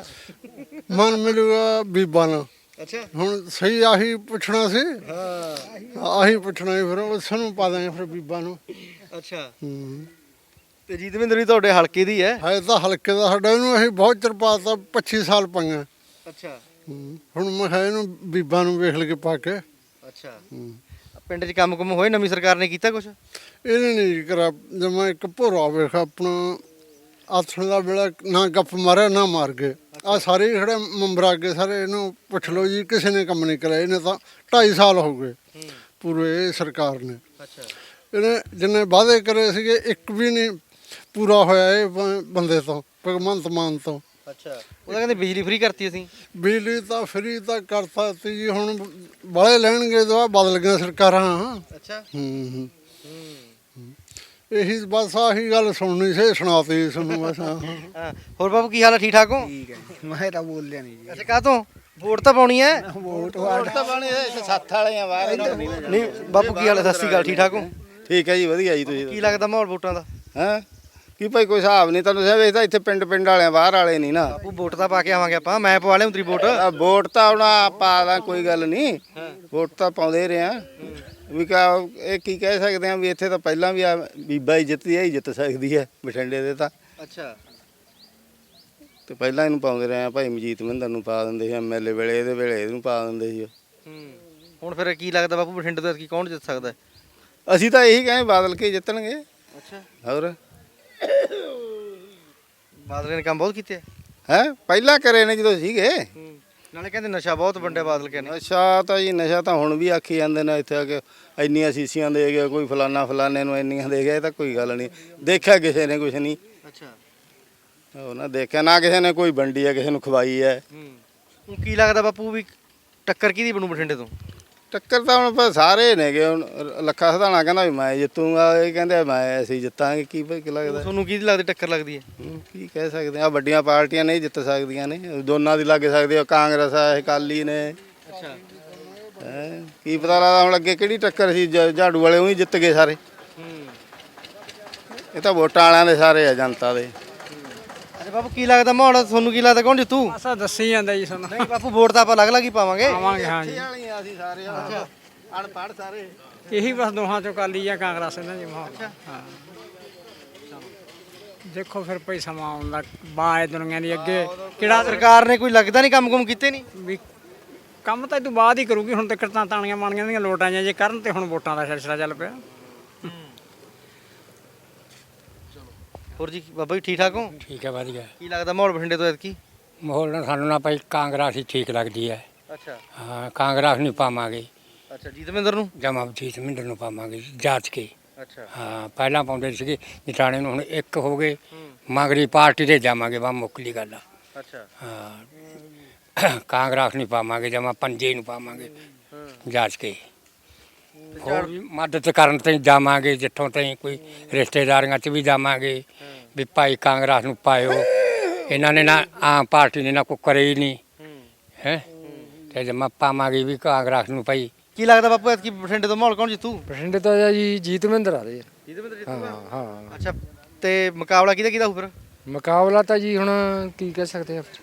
C: ਮਨ ਮਿਲੂਗਾ ਬੀਬਾ ਨਾਲ।
A: ਅੱਛਾ
C: ਹੁਣ ਸਹੀ ਆਹੀ ਪੁੱਛਣਾ ਸੀ। ਹਾਂ ਆਹੀ ਪੁੱਛਣਾ ਸੀ, ਫਿਰ ਉਸ ਨੂੰ ਪਾ ਦਾਂਗੇ ਫਿਰ ਬੀਬਾ ਨੂੰ।
A: ਅੱਛਾ
C: ਹੂੰ
A: ਤੇ ਜੀਤਮਿੰਦਰ ਵੀ ਤੁਹਾਡੇ ਹਲਕੇ ਦੀ ਹੈ?
C: ਹੈ ਤਾਂ ਹਲਕੇ ਦਾ ਸਾਡਾ, ਇਹਨੂੰ ਅਸੀਂ ਬਹੁਤ ਚਿਰ ਪਾਤਾ, ਪੱਚੀ ਸਾਲ ਪਾਈਆਂ।
A: ਅੱਛਾ
C: ਹੂੰ, ਹੁਣ ਮੈਂ ਕਿਹਾ ਇਹਨੂੰ ਬੀਬਾ ਨੂੰ ਵੇਖ ਲਗੇ ਪਾ ਕੇ।
A: ਅੱਛਾ
C: ਹੂੰ,
A: ਪਿੰਡ 'ਚ ਕੰਮ ਕੁਮ ਹੋਏ? ਨਵੀਂ ਸਰਕਾਰ ਨੇ ਕੀਤਾ ਕੁਛ?
C: ਇਹਨੇ ਨਹੀਂ ਕਰਾ। ਜਮਾ ਇੱਕ ਭੋਰਾ ਵੇਖ ਆਪਣਾ ਆਥਣ ਦਾ ਵੇਲਾ, ਨਾ ਗੱਪ ਮਾਰਿਆ ਨਾ ਮਾਰ ਗਏ। ਆ ਸਾਰੇ ਜਿਹੜੇ ਮੈਂਬਰ ਅੱਗੇ ਸਾਰੇ ਇਹਨੂੰ ਪੁੱਛ ਲਓ ਜੀ, ਕਿਸੇ ਨੇ ਕੰਮ ਨਹੀਂ ਕਰਿਆ। ਇਹਨੇ ਤਾਂ ਢਾਈ ਸਾਲ ਹੋ ਗਏ ਪੂਰੇ ਇਹ ਸਰਕਾਰ ਨੇ।
A: ਅੱਛਾ
C: ਇਹਨੇ ਜਿੰਨੇ ਵਾਅਦੇ ਕਰੇ ਸੀਗੇ ਇੱਕ ਵੀ ਨਹੀਂ ਪੂਰਾ ਹੋਇਆ ਇਹ ਬ- ਬੰਦੇ ਤੋਂ, ਭਗਵੰਤ ਮਾਨ ਤੋਂ।
A: ਅੱਛਾ ਉਹਦਾ ਕਹਿੰਦੇ ਬਿਜਲੀ ਫ੍ਰੀ ਕਰਤੀ ਅਸੀਂ।
C: ਬਿਜਲੀ ਤਾਂ ਫਰੀ ਤਾਂ ਕਰਤਾ ਤੀ ਜੀ, ਹੁਣ ਬਾਲੇ ਲੈਣਗੇ ਦੁਆ ਬਦਲ ਗਈਆਂ ਸਰਕਾਰਾਂ।
A: ਅੱਛਾ
C: ਹੂੰ ਹੂੰ ਇਹੀ ਬਸ ਆਹੀ ਗੱਲ ਸੁਣਨੀ ਸੀ, ਸੁਣਾਤੀ ਤੁਹਾਨੂੰ ਬਸ। ਹਾਂ
A: ਹਾਂ ਹੋਰ ਬਾਬੂ ਕੀ ਹਾਲ ਹੈ, ਠੀਕ ਠਾਕ ਹੋ?
F: ਠੀਕ ਹੈ ਮੈਂ ਤਾਂ ਬੋਲਿਆ ਨਹੀਂ ਜੀ।
A: ਅੱਛਾ ਕਾਹਤੋਂ ਵੋਟ ਤਾਂ ਪਾਉਣੀ ਹੈ?
F: ਵੋਟ ਤਾਂ ਪਾਣੀ ਸੱਤ ਵਾਲੇ ਆ ਬਾਹਰ
A: ਨਹੀਂ ਬਾਪੂ ਕੀ ਹਾਲ ਹੈ, ਸਤਿ ਸ਼੍ਰੀ ਅਕਾਲ, ਠੀਕ ਠਾਕ ਹੋ?
L: ਠੀਕ ਹੈ ਜੀ, ਵਧੀਆ ਜੀ। ਤੁਸੀਂ
A: ਕੀ ਲੱਗਦਾ ਮਾਹੌਲ ਵੋਟਾਂ ਦਾ?
L: ਹੈ ਕੀ ਭਾਈ ਕੋਈ ਹਿਸਾਬ ਨਹੀਂ, ਤੁਹਾਨੂੰ ਦੱਸਿਆ ਵੇਖਦਾ ਇੱਥੇ ਪਿੰਡ ਪਿੰਡ ਵਾਲਿਆਂ ਬਾਹਰ ਵਾਲੇ ਨਹੀਂ ਨਾ।
A: ਬਾਪੂ ਵੋਟ ਤਾਂ ਪਾ ਕੇ ਆਵਾਂਗੇ ਆਪਾਂ, ਮੈਂ ਪਵਾ ਲਿਆ ਤੇਰੀ ਵੋਟ।
L: ਆ ਵੋਟ ਤਾਂ ਹੁਣ ਪਾ ਦਾਂ, ਕੋਈ ਗੱਲ ਨਹੀਂ, ਵੋਟ ਤਾਂ ਪਾਉਂਦੇ ਰਹੇ ਆ ਵੀ। ਕਾ ਇਹ ਕੀ ਕਹਿ ਸਕਦੇ ਆ ਵੀ ਇੱਥੇ ਤਾਂ ਪਹਿਲਾਂ ਵੀ ਆ ਬੀਬਾ ਹੀ ਜਿੱਤਦੀ ਹੈ, ਹੀ ਜਿੱਤ ਸਕਦੀ ਹੈ ਬਠਿੰਡੇ ਦੇ ਤਾਂ।
A: ਅੱਛਾ
L: ਤੇ ਪਹਿਲਾਂ ਇਹਨੂੰ ਪਾਉਂਦੇ ਰਹੇ ਆ, ਭਾਈ ਮਜੀਤ ਮਹਿੰਦਰ ਨੂੰ ਪਾ ਦਿੰਦੇ ਸੀ ਐਮ ਐਲ ਏ ਵੇਲੇ, ਇਹਦੇ ਵੇਲੇ ਇਹਨੂੰ ਪਾ ਦਿੰਦੇ ਸੀ।
A: ਹੂੰ ਹੁਣ ਫਿਰ ਕੀ ਲੱਗਦਾ ਬਾਪੂ ਬਠਿੰਡੇ ਤੋਂ ਕੀ ਕੌਣ ਜਿੱਤ ਸਕਦਾ?
L: ਅਸੀਂ ਤਾਂ ਇਹੀ ਕਹੇ ਬਾਦਲ ਕੇ ਜਿੱਤਣਗੇ।
A: ਅੱਛਾ
L: ਹੋਰ
A: ਬਾਦਲ ਨੇ ਕੰਮ ਬਹੁਤ ਕੀਤੇ।
L: ਹੈ ਪਹਿਲਾਂ ਕਰੇ ਨੇ ਜਦੋਂ ਸੀਗੇ।
A: ਨਾਲੇ ਕਹਿੰਦੇ ਨਸ਼ਾ ਬਹੁਤ ਵੰਡਿਆ ਬਾਦਲ ਕਹਿੰਦੇ।
L: ਨਸ਼ਾ ਤਾਂ ਜੀ, ਨਸ਼ਾ ਤਾਂ ਹੁਣ ਵੀ ਆਖੀ ਜਾਂਦੇ ਨੇ ਇੱਥੇ ਆ ਕੇ ਇੰਨੀਆਂ ਸੀਸੀਆਂ ਦੇ ਗਿਆ, ਕੋਈ ਫਲਾਨਾ ਫਲਾਨੇ ਨੂੰ ਇੰਨੀਆਂ ਦੇ ਗਿਆ। ਇਹ ਤਾਂ ਕੋਈ ਗੱਲ ਨਹੀਂ, ਦੇਖਿਆ ਕਿਸੇ ਨੇ ਕੁਛ ਨਹੀਂ।
A: ਅੱਛਾ
L: ਉਹ ਨਾ ਦੇਖਿਆ ਨਾ ਕਿਸੇ ਨੇ, ਕੋਈ ਵੰਡੀ ਹੈ ਕਿਸੇ ਨੂੰ ਖਵਾਈ ਹੈ।
A: ਹੁਣ ਕੀ ਲੱਗਦਾ ਬਾਪੂ ਵੀ ਟੱਕਰ ਕਿਹਦੀ ਬਣੂ ਬਠਿੰਡੇ ਤੋਂ?
L: ਟੱਕਰ ਤਾਂ ਹੁਣ ਆਪਾਂ ਸਾਰੇ ਨੇਗੇ। ਹੁਣ ਲੱਖਾ ਸਧਾਣਾ ਕਹਿੰਦਾ ਵੀ ਮੈਂ ਜਿੱਤੂਗਾ, ਇਹ ਕਹਿੰਦੇ ਮੈਂ ਅਸੀਂ ਜਿੱਤਾਂਗੇ। ਕੀ ਕੀ ਲੱਗਦਾ
A: ਤੁਹਾਨੂੰ ਕਿਹਦੀ ਲੱਗਦੀ ਟੱਕਰ ਲੱਗਦੀ ਹੈ?
L: ਹੂੰ, ਕੀ ਕਹਿ ਸਕਦੇ ਆ, ਵੱਡੀਆਂ ਪਾਰਟੀਆਂ ਨਹੀਂ ਜਿੱਤ ਸਕਦੀਆਂ ਨੇ, ਦੋਨਾਂ ਦੀ ਲੱਗ ਸਕਦੀ ਆ। ਕਾਂਗਰਸ ਆ, ਅਕਾਲੀ ਨੇ।
A: ਅੱਛਾ
L: ਹੈਂ ਕੀ ਪਤਾ ਲੱਗਦਾ ਹੁਣ ਅੱਗੇ ਕਿਹੜੀ ਟੱਕਰ ਸੀ, ਝ- ਝਾੜੂ ਵਾਲੇ ਉਹੀ ਜਿੱਤ ਗਏ ਸਾਰੇ। ਇਹ ਤਾਂ ਵੋਟਾਂ ਵਾਲਿਆਂ ਦੇ ਸਾਰੇ ਆ, ਜਨਤਾ ਦੇ।
A: ਅੱਛਾ ਬਾਪੂ ਕੀ ਲੱਗਦਾ ਮਾਹੌਲ ਤੁਹਾਨੂੰ, ਕੀ ਲੱਗਦਾ ਕੌਣ ਜਿੱਤੂ?
J: ਅਸਾਂ ਦੱਸੀ ਜਾਂਦਾ ਜੀ ਸਾਨੂੰ।
A: ਨਹੀਂ ਬਾਪੂ ਵੋਟ ਤਾਂ ਆਪਾਂ ਅਲੱਗ ਅਲੱਗ ਹੀ ਪਾਵਾਂਗੇ।
J: ਆਵਾਂਗੇ ਹਾਂ ਜੀ,
L: ਅਸੀਂ ਸਾਰੇ ਅਨਪੜ੍ਹ ਸਾਰੇ।
J: ਇਹੀ ਬਸ ਦੋਹਾਂ ਚੋਂ ਕਾਲੀ ਜਾਂ ਕਾਂਗਰਸ ਇਹਨਾਂ ਦੀ ਮਾਹੌਲ। ਹਾਂ ਦੇਖੋ ਫਿਰ ਭਾਈ ਸਮਾਂ ਆਉਂਦਾ ਬਾਏ ਦੁਨੀਆ ਦੀ ਅੱਗੇ ਕਿਹੜਾ
A: ਸਰਕਾਰ ਨੇ ਕੋਈ ਲੱਗਦਾ ਨਹੀਂ ਕੰਮ ਕੁਮ ਕੀਤੇ ਨਹੀਂ।
J: ਵੀ ਕੰਮ ਤਾਂ ਇਹ ਤੋਂ ਬਾਅਦ ਹੀ ਕਰੂਗੀ। ਹੁਣ ਤੱਕ ਤਾਂ ਤਾਣੀਆਂ ਮਾਣੀਆਂ ਦੀਆਂ ਲੋਟਾਂ ਜਾਂ ਜੇ ਕਰਨ ਤੇ ਹੁਣ ਵੋਟਾਂ ਦਾ ਸਿਲਸਿਲਾ ਚੱਲ ਪਿਆ।
A: ਹੋਰ ਜੀ ਬਾਬਾ ਜੀ ਠੀਕ ਠਾਕ ਹੋ?
D: ਠੀਕ ਹੈ, ਵਧੀਆ
A: ਕੀ ਲੱਗਦਾ ਮਾਹੌਲ ਬਠਿੰਡੇ ਤੋਂ ਐਤਕੀ?
D: ਮਾਹੌਲ ਨਾਲ ਸਾਨੂੰ ਨਾ ਭਾਈ ਕਾਂਗਰਸ ਹੀ ਠੀਕ ਲੱਗਦੀ ਹੈ।
A: ਅੱਛਾ
D: ਹਾਂ ਕਾਂਗਰਸ ਨਹੀਂ ਪਾਵਾਂਗੇ,
A: ਅੱਛਾ ਜੀਤਮਿੰਦਰ ਨੂੰ?
D: ਜਮਾ ਜੀਤ ਮਿੰਦਰ ਨੂੰ ਪਾਵਾਂਗੇ ਜਾਂਚ ਕੇ।
A: ਅੱਛਾ
D: ਹਾਂ ਪਹਿਲਾਂ ਪਾਉਂਦੇ ਸੀਗੇ ਨਿਟਾਣੇ ਨੂੰ, ਹੁਣ ਇੱਕ ਹੋ ਗਏ। ਮਗਰੀ ਪਾਰਟੀ ਦੇ ਜਾਵਾਂਗੇ, ਵਾ ਮੁੱਕਲੀ ਗੱਲ ਆ।
A: ਅੱਛਾ
D: ਹਾਂ ਕਾਂਗਰਸ ਨਹੀਂ ਪਾਵਾਂਗੇ, ਜਮਾ ਪੰਜੇ ਨੂੰ ਪਾਵਾਂਗੇ ਜਾਂਚ ਕੇ। ਹੋਰ ਵੀ ਮਦਦ ਕਰਨ ਤੇ ਜਾਵਾਂਗੇ, ਜਿੱਥੋਂ ਤਾਈਂ ਕੋਈ ਰਿਸ਼ਤੇਦਾਰੀਆਂ 'ਚ ਵੀ ਜਾਵਾਂਗੇ ਵੀ ਭਾਈ ਕਾਂਗਰਸ ਨੂੰ ਪਾਇਓ। ਇਹਨਾਂ ਨੇ ਨਾ ਆਮ ਪਾਰਟੀ ਨੇ ਨਾ ਕੋਈ ਕਰੇ ਹੀ ਨਹੀਂ ਹੈ, ਤੇ ਜਮਾ ਪਾਵਾਂਗੇ ਵੀ ਕਾਂਗਰਸ ਨੂੰ ਭਾਈ।
A: ਕੀ ਲੱਗਦਾ ਬਾਪੂ ਐਤਕੀ ਬਠਿੰਡੇ ਤੋਂ ਮਾਹੌਲ ਕੌਣ ਜਿੱਤੂ?
D: ਬਠਿੰਡੇ ਤੋਂ ਜੀ ਜੀਤ ਮਹਿੰਦਰ ਆ ਰਹੇ।
A: ਜੀਤਮਿੰਦਰ ਜਿੱਤੂਗਾ?
D: ਹਾਂ ਹਾਂ
A: ਅੱਛਾ ਤੇ ਮੁਕਾਬਲਾ ਕਿਹਦਾ ਕਿਹਦਾ ਹੋਊ ਫਿਰ?
D: ਮੁਕਾਬਲਾ ਤਾਂ ਜੀ ਹੁਣ ਕੀ ਕਹਿ ਸਕਦੇ ਆ,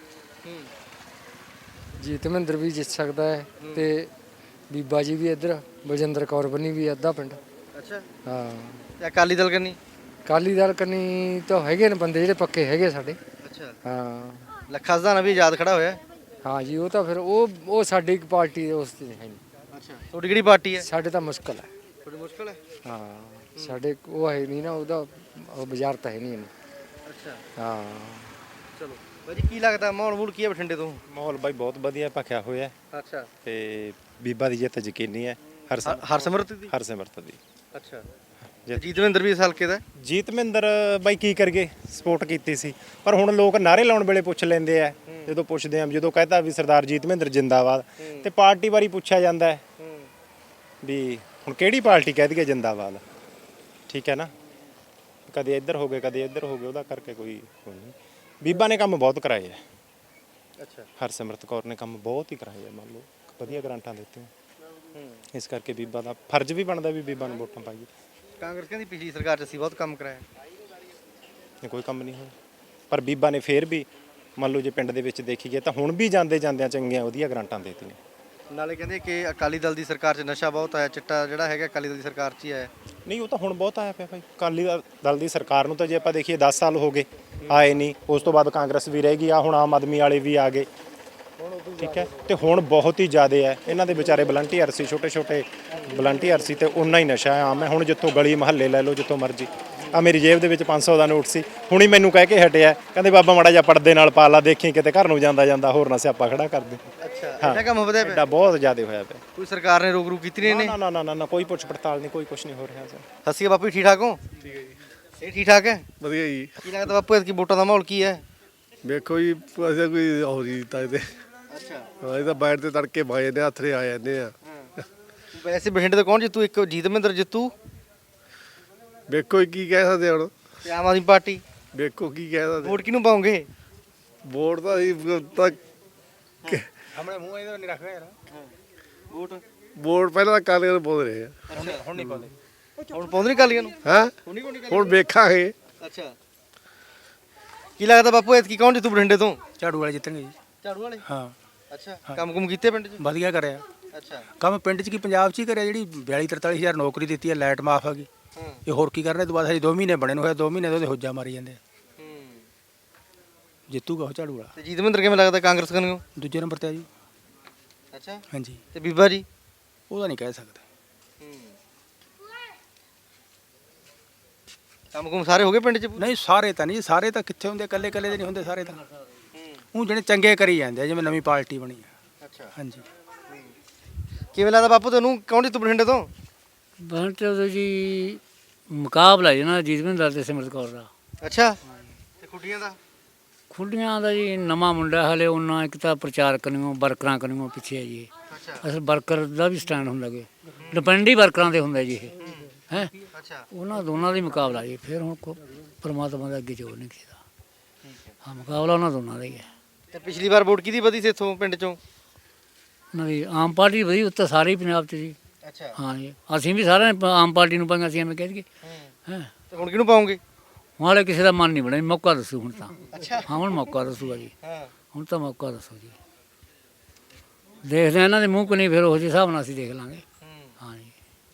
D: ਜੀਤ ਮਹਿੰਦਰ ਵੀ ਜਿੱਤ ਸਕਦਾ ਹੈ ਤੇ ਬੀਬਾ ਜੀ ਵੀ ਇੱਧਰ ਬਲਜਿੰਦਰ ਕੌਰ ਬਣੀ ਵੀ ਅੱਧਾ ਪਿੰਡ।
A: ਅੱਛਾ
D: ਹਾਂ
A: ਤੇ ਅਕਾਲੀ ਦਲ ਕਰਨੀ?
D: ਅਕਾਲੀ ਦਲ ਕੰਨੀ ਤਾਂ ਹੈਗੇ ਨੇ ਬੰਦੇ ਜਿਹੜੇ ਪੱਕੇ ਹੈਗੇ ਸਾਡੇ।
A: ਅੱਛਾ
D: ਹਾਂ
A: ਲੱਖਾ ਸਧਾਣਾ ਵੀ ਆਜ਼ਾਦ ਖੜਾ ਹੋਇਆ।
D: ਹਾਂ ਜੀ ਉਹ ਤਾਂ ਫਿਰ ਉਹ ਉਹ ਸਾਡੀ ਇੱਕ ਪਾਰਟੀ ਦੇ ਉਸ ਤੇ ਹੈ ਨਹੀਂ।
A: ਅੱਛਾ ਤੁਹਾਡੀ ਕਿਹੜੀ ਪਾਰਟੀ ਹੈ?
D: ਸਾਡੇ ਤਾਂ ਮੁਸ਼ਕਲ ਹੈ।
A: ਥੋੜੀ ਮੁਸ਼ਕਲ ਹੈ।
D: ਹਾਂ ਸਾਡੇ ਉਹ ਹੈ ਨਹੀਂ ਨਾ, ਉਹਦਾ ਉਹ ਬਾਜ਼ਾਰ ਤਾਂ ਹੈ ਨਹੀਂ ਇਹਨੂੰ।
A: ਅੱਛਾ
D: ਹਾਂ
A: ਚਲੋ ਬਾਜੀ ਕੀ ਲੱਗਦਾ ਮਾਹੌਲ ਮੂਲ ਕੀ ਹੈ ਬਠਿੰਡੇ ਤੋਂ?
M: ਮਾਹੌਲ ਬਾਈ ਬਹੁਤ ਵਧੀਆ ਭਖਿਆ ਹੋਇਆ
A: ਅੱਛਾ
M: ਤੇ ਬੀਬਾ ਦੀ ਜਿੱਤ ਯਕੀਨੀ ਹੈ। ਹਰ
A: ਹਰਸਿਮਰਤ ਦੀ?
M: ਹਰਸਿਮਰਤ ਦੀ।
A: ਅੱਛਾ ਜੀਤਮਿੰਦਰ ਵੀ ਇਸ ਹਲਕੇ ਦਾ?
M: ਜੀਤਮਿੰਦਰ ਬਾਈ ਕੀ ਕਰਗੇ, ਸਪੋਰਟ ਕੀਤੀ ਸੀ, ਪਰ ਹੁਣ ਲੋਕ ਨਾਰੇ ਲਾਉਣ ਵੇਲੇ ਪੁੱਛ ਲੈਂਦੇ ਆ। ਜਦੋਂ ਪੁੱਛਦੇ ਆ, ਜਦੋਂ ਕਹਤਾ ਵੀ ਸਰਦਾਰ ਜੀਤਮਿੰਦਰ ਜਿੰਦਾਬਾਦ, ਤੇ ਪਾਰਟੀ ਵਾਰੀ ਪੁੱਛਿਆ ਜਾਂਦਾ ਵੀ ਹੁਣ ਕਿਹੜੀ ਪਾਰਟੀ ਕਹਿ ਦਈਏ ਜਿੰਦਾਬਾਦ। ਠੀਕ ਹੈ ਨਾ, ਕਦੇ ਇੱਧਰ ਹੋ ਗਏ ਕਦੇ ਇੱਧਰ ਹੋ ਗਏ, ਉਹਦਾ ਕਰਕੇ ਕੋਈ ਕੋਈ ਨਹੀਂ। ਬੀਬਾ ਨੇ ਕੰਮ ਬਹੁਤ ਕਰਾਏ ਹੈ।
A: ਅੱਛਾ
M: ਹਰਸਿਮਰਤ ਕੌਰ ਨੇ ਕੰਮ ਬਹੁਤ ਹੀ ਕਰਾਏ ਹੈ, ਮੰਨ ਲਓ ਵਧੀਆ ਗਰਾਂਟਾਂ ਦਿੱਤੀਆਂ। ਇਸ ਕਰਕੇ ਬੀਬਾ ਦਾ ਫਰਜ਼ ਵੀ ਬਣਦਾ ਵੀ ਬੀਬਾ ਨੂੰ ਵੋਟਾਂ ਪਾਈਏ।
A: ਕਾਂਗਰਸ ਕਹਿੰਦੀ ਪਿਛਲੀ ਸਰਕਾਰ 'ਚ ਅਸੀਂ ਬਹੁਤ ਕੰਮ ਕਰਾਇਆ।
M: ਇਹ ਕੋਈ ਕੰਮ ਨਹੀਂ ਹੋਇਆ, ਪਰ ਬੀਬਾ ਨੇ ਫੇਰ ਵੀ ਮੰਨ ਲਓ ਜੇ ਪਿੰਡ ਦੇ ਵਿੱਚ ਦੇਖੀਏ ਤਾਂ ਹੁਣ ਵੀ ਜਾਂਦੇ ਜਾਂਦਿਆਂ ਚੰਗੀਆਂ ਵਧੀਆ ਗਰਾਂਟਾਂ ਦੇਤੀਆਂ।
A: ਨਾਲੇ ਕਹਿੰਦੇ ਕਿ ਅਕਾਲੀ ਦਲ ਦੀ ਸਰਕਾਰ 'ਚ ਨਸ਼ਾ ਬਹੁਤ ਆਇਆ, ਚਿੱਟਾ ਜਿਹੜਾ ਹੈਗਾ ਅਕਾਲੀ ਦਲ ਦੀ ਸਰਕਾਰ 'ਚ ਹੀ ਆਇਆ।
M: ਨਹੀਂ ਉਹ ਤਾਂ ਹੁਣ ਬਹੁਤ ਆਇਆ ਪਿਆ ਭਾਈ। ਅਕਾਲੀ ਦਲ ਦੀ ਸਰਕਾਰ ਨੂੰ ਤਾਂ ਜੇ ਆਪਾਂ ਦੇਖੀਏ ਦਸ ਸਾਲ ਹੋ ਗਏ ਆਏ ਨਹੀਂ, ਉਸ ਤੋਂ ਬਾਅਦ ਕਾਂਗਰਸ ਵੀ ਰਹਿ ਗਈ ਆ, ਹੁਣ ਆਮ ਆਦਮੀ ਵਾਲੇ ਵੀ ਆ ਗਏ। ਠੀਕ ਹੈ, ਤੇ ਹੁਣ ਬਹੁਤ ਹੀ ਜ਼ਿਆਦਾ ਹੈ। ਇਹਨਾਂ ਦੇ ਵਿਚਾਰੇ ਵਲੰਟੀਅਰ ਸੀ, ਛੋਟੇ ਛੋਟੇ ਵਲੰਟੀਅਰ ਸੀ, ਤੇ ਉਨਾ ਹੀ ਨਸ਼ਾ ਆਮ ਹੈ। ਹੁਣ ਜਿੱਥੋਂ ਗਲੀ ਮਹੱਲੇ ਲੈ ਲਓ, ਜਿੱਥੋਂ ਮਰਜ਼ੀ ਆ ਮੇਰੀ ਜੇਬ ਦੇ ਵਿੱਚ ਪੰਜ ਸੌ ਦਾ ਨੋਟ ਸੀ, ਹੁਣੀ ਮੈਨੂੰ ਕਹਿ ਕੇ ਹਟਿਆ, ਕਹਿੰਦੇ ਬਾਬਾ ਮਾੜਾ ਜਿਹਾ ਪਰਦੇ ਨਾਲ ਪਾ ਲਾ, ਦੇਖੀ ਕਿਤੇ ਘਰ ਨੂੰ ਜਾਂਦਾ ਜਾਂਦਾ ਹੋਰ ਨਾ ਸਿਆਪਾ ਖੜਾ ਕਰ ਦੇ।
A: ਅੱਛਾ ਇੰਨਾ ਕੰਮ ਵਧਿਆ ਪਿਆ,
M: ਐਡਾ ਬਹੁਤ ਜ਼ਿਆਦਾ ਹੋਇਆ ਪਿਆ।
A: ਕੋਈ ਸਰਕਾਰ ਨੇ ਰੋਕ ਰੂਕ ਕੀਤੀ ਨਹੀਂ ਇਹਨੇ?
M: ਨਾ ਨਾ ਨਾ ਨਾ ਨਾ ਕੋਈ ਪੁੱਛ ਪੜਤਾਲ ਨਹੀਂ, ਕੋਈ ਕੁਝ ਨਹੀਂ ਹੋ ਰਿਹਾ ਸਰ।
A: ਸਤਿ ਸ਼੍ਰੀ ਅਕਾਲ ਬਾਪੂ ਜੀ, ਠੀਕ ਠਾਕ ਹੋ? ਠੀਕ ਹੈ ਜੀ। ਇਹ ਠੀਕ ਠਾਕ ਹੈ?
L: ਵਧੀਆ ਜੀ।
A: ਕੀ ਲੱਗਦਾ ਬਾਪੂ ਐਤਕੀ ਵੋਟਾਂ ਦਾ ਮਾਹੌਲ ਕੀ ਹੈ?
L: ਵੇਖੋ ਜੀ ਅਸੀਂ ਕੋਈ ਹੋ ਜੀ ਤਾਂ ਇਹਦੇ
A: ਅੱਛਾ
L: ਹਾਂ ਇਹ ਤਾਂ ਬਾਹਰ ਤੇ ਤੜਕੇ ਬਾਏ ਨੇ ਹੱਥਰੇ ਆ ਜਾਂਦੇ ਆ।
A: ਵੈਸੇ ਬਠਿੰਡੇ ਤੋਂ ਕੌਣ ਜਿੱਤੂ? ਇੱਕ ਜੀਤ ਮਹਿੰਦਰ ਜਿੱਤੂ,
L: ਵੇਖੋ ਜੀ ਕੀ ਕਹਿ ਸਕਦੇ ਹੁਣ,
A: ਤੇ ਆਮ ਆਦਮੀ ਪਾਰਟੀ।
L: ਵੇਖੋ ਕੀ ਕਹਿ ਸਕਦੇ।
A: ਵੋਟ ਕਿਹਨੂੰ ਪਾਉਂਗੇ?
L: ਵੋਟ ਤਾਂ ਅਸੀਂ ਤਾਂ
M: ਆਪਣੇ ਮੂੰਹ ਇਹਦੇ ਨਹੀਂ ਰੱਖਿਆ ਯਾਰ।
A: ਵੋਟ
L: ਵੋਟ ਪਹਿਲਾਂ ਤਾਂ ਕਾਲੀਆਂ ਨੂੰ ਪਾਉਂਦੇ ਰਹੇ ਆ,
M: ਹੁਣ ਨਹੀਂ ਪਾਉਂਦੇ।
A: ਹੁਣ ਪਾਉਂਦੇ ਨਹੀਂ ਕਾਲੀਆਂ ਨੂੰ?
L: ਹਾਂ
A: ਹੁਣ ਨਹੀਂ ਪਾਉਂਦੇ?
L: ਹੁਣ ਵੇਖਾਂਗੇ।
A: ਅੱਛਾ ਕੀ ਲੱਗਦਾ ਬਾਪੂ ਐਤਕੀ ਕੌਣ ਜਿੱਤੂ ਬਠਿੰਡੇ ਤੋਂ?
J: ਝਾੜੂ ਵਾਲੇ ਜਿੱਤਣਗੇ ਜੀ।
A: ਝਾੜੂ ਵਾਲੇ?
J: ਹਾਂ
A: ਅੱਛਾ ਕੰਮ ਕੁਮ ਕੀਤੇ ਪਿੰਡ 'ਚ?
J: ਵਧੀਆ ਕਰਿਆ
A: ਅੱਛਾ
J: ਕੰਮ ਪਿੰਡ 'ਚ ਕੀ ਪੰਜਾਬ 'ਚ ਹੀ ਕਰਿਆ। ਜਿਹੜੀ ਬਿਆਲੀ ਤਰਤਾਲੀ ਹਜ਼ਾਰ ਨੌਕਰੀ ਦਿੱਤੀ ਹੈ, ਲਾਈਟ ਮਾਫ ਆ ਗਈ,
A: ਹਾਂ
J: ਇਹ ਹੋਰ ਕੀ ਕਰਨਾ? ਇਹ ਤੋਂ ਬਾਅਦ ਹਜੇ ਦੋ ਮਹੀਨੇ ਬਣੇ ਨੂੰ ਹੋਇਆ, ਦੋ ਮਹੀਨੇ ਤੋਂ ਉਹਦੇ ਹੋਜਾ ਮਾਰੀ ਜਾਂਦੇ ਆ।
A: ਹੂੰ
J: ਜਿੱਤੂਗਾ ਉਹ ਝਾੜੂ ਵਾਲਾ।
A: ਤੇ ਜੀਤ ਮਹਿੰਦਰ ਕਿਵੇਂ ਲੱਗਦਾ ਕਾਂਗਰਸ ਕਨੂੰ?
J: ਦੂਜੇ ਨੰਬਰ ਤੇ ਆ ਜੀ।
A: ਅੱਛਾ
J: ਹਾਂਜੀ
A: ਤੇ ਬੀਬਾ ਜੀ?
J: ਉਹਦਾ ਨਹੀਂ ਕਹਿ ਸਕਦੇ।
A: ਕੰਮ ਕੁਮ ਸਾਰੇ ਹੋ ਗਏ ਪਿੰਡ 'ਚ?
J: ਨਹੀਂ ਸਾਰੇ ਤਾਂ ਨਹੀਂ, ਸਾਰੇ ਤਾਂ ਕਿੱਥੇ ਹੁੰਦੇ, ਇਕੱਲੇ ਇਕੱਲੇ ਦੇ ਨਹੀਂ ਹੁੰਦੇ ਸਾਰੇ ਤਾਂ। ਉਹ ਜਿਹੜੇ ਚੰਗੇ ਕਰੀ ਜਾਂਦੇ ਆ, ਜਿਵੇਂ ਨਵੀਂ ਪਾਰਟੀ ਬਣੀ ਆ।
A: ਅੱਛਾ
J: ਹਾਂਜੀ
A: ਕਿਵੇਂ ਲੱਗਦਾ ਬਾਪੂ ਤੈਨੂੰ ਕੌਣ ਜਿੱਤੂ ਬਠਿੰਡੇ ਤੋਂ?
D: ਬਣ ਜੀ ਮੁਕਾਬਲਾ ਜੀ ਨਾ ਜੀਤ ਮਹਿੰਦਰ ਤੇ ਸਿਮਰਤ ਕੌਰ ਦਾ।
A: ਅੱਛਾ ਤੇ ਖੁੱਡੀਆਂ ਦਾ?
D: ਖੁੱਡੀਆਂ ਦਾ ਜੀ ਨਵਾਂ ਮੁੰਡਾ ਹਲੇ ਉਹਨਾਂ, ਇੱਕ ਤਾਂ ਪ੍ਰਚਾਰ ਕਰਨੀਓ ਵਰਕਰਾਂ ਕਰਨੀਓ ਪਿੱਛੇ ਹੈ ਜੀ।
A: ਅੱਛਾ
D: ਅਸਲ ਵਰਕਰ ਦਾ ਵੀ ਸਟੈਂਡ ਹੁੰਦਾ ਗੇ, ਡਿਪੈਂਡ ਹੀ ਵਰਕਰਾਂ 'ਤੇ ਹੁੰਦਾ ਜੀ ਇਹ ਹੈ।
A: ਅੱਛਾ
D: ਉਹਨਾਂ ਦੋਨਾਂ ਦਾ ਹੀ ਮੁਕਾਬਲਾ ਜੀ। ਫਿਰ ਹੁਣ ਕੋ ਪਰਮਾਤਮਾ ਦਾ ਅੱਗੇ ਜੋਰ ਨਹੀਂ ਕਿਸੇ ਦਾ। ਹਾਂ ਮੁਕਾਬਲਾ ਉਹਨਾਂ ਦੋਨਾਂ ਦਾ ਹੀ ਹੈ।
A: ਤੇ ਪਿਛਲੀ ਵਾਰ ਵੋਟ ਕਿਹਦੀ ਵਧੀ ਸੀ ਇੱਥੋਂ ਪਿੰਡ 'ਚੋਂ?
D: ਉਹਨਾਂ ਦੀ ਆਮ ਪਾਰਟੀ ਵਧੀ ਉੱਤੇ ਸਾਰੇ ਹੀ ਪੰਜਾਬ 'ਚ ਜੀ।
A: ਅੱਛਾ
D: ਹਾਂ ਜੀ ਅਸੀਂ ਵੀ ਸਾਰਿਆਂ ਨੇ ਆਮ ਪਾਰਟੀ ਨੂੰ ਪਾਈਆਂ ਸੀ, ਐਵੇਂ ਕਹਿ ਦਈਏ ਹੈਂ।
A: ਤੇ ਹੁਣ ਕਿਹਨੂੰ ਪਾਉਂਗੇ?
D: ਹਾਲੇ ਕਿਸੇ ਦਾ ਮਨ ਨਹੀਂ ਬਣਿਆ, ਮੌਕਾ ਦੱਸੋ ਹੁਣ ਤਾਂ।
A: ਅੱਛਾ
D: ਹਾਂ ਹੁਣ ਮੌਕਾ ਦੱਸੂਗਾ ਜੀ,
A: ਹਾਂ
D: ਹੁਣ ਤਾਂ ਮੌਕਾ ਦੱਸੋ ਜੀ। ਦੇਖਦੇ ਹਾਂ ਇਹਨਾਂ ਦੇ ਮੂੰਹ ਕੋ ਨਹੀਂ, ਫਿਰ ਉਹ ਜਿਹੇ ਹਿਸਾਬ ਨਾਲ ਅਸੀਂ ਦੇਖ ਲਾਂਗੇ। ਹਾਂ ਜੀ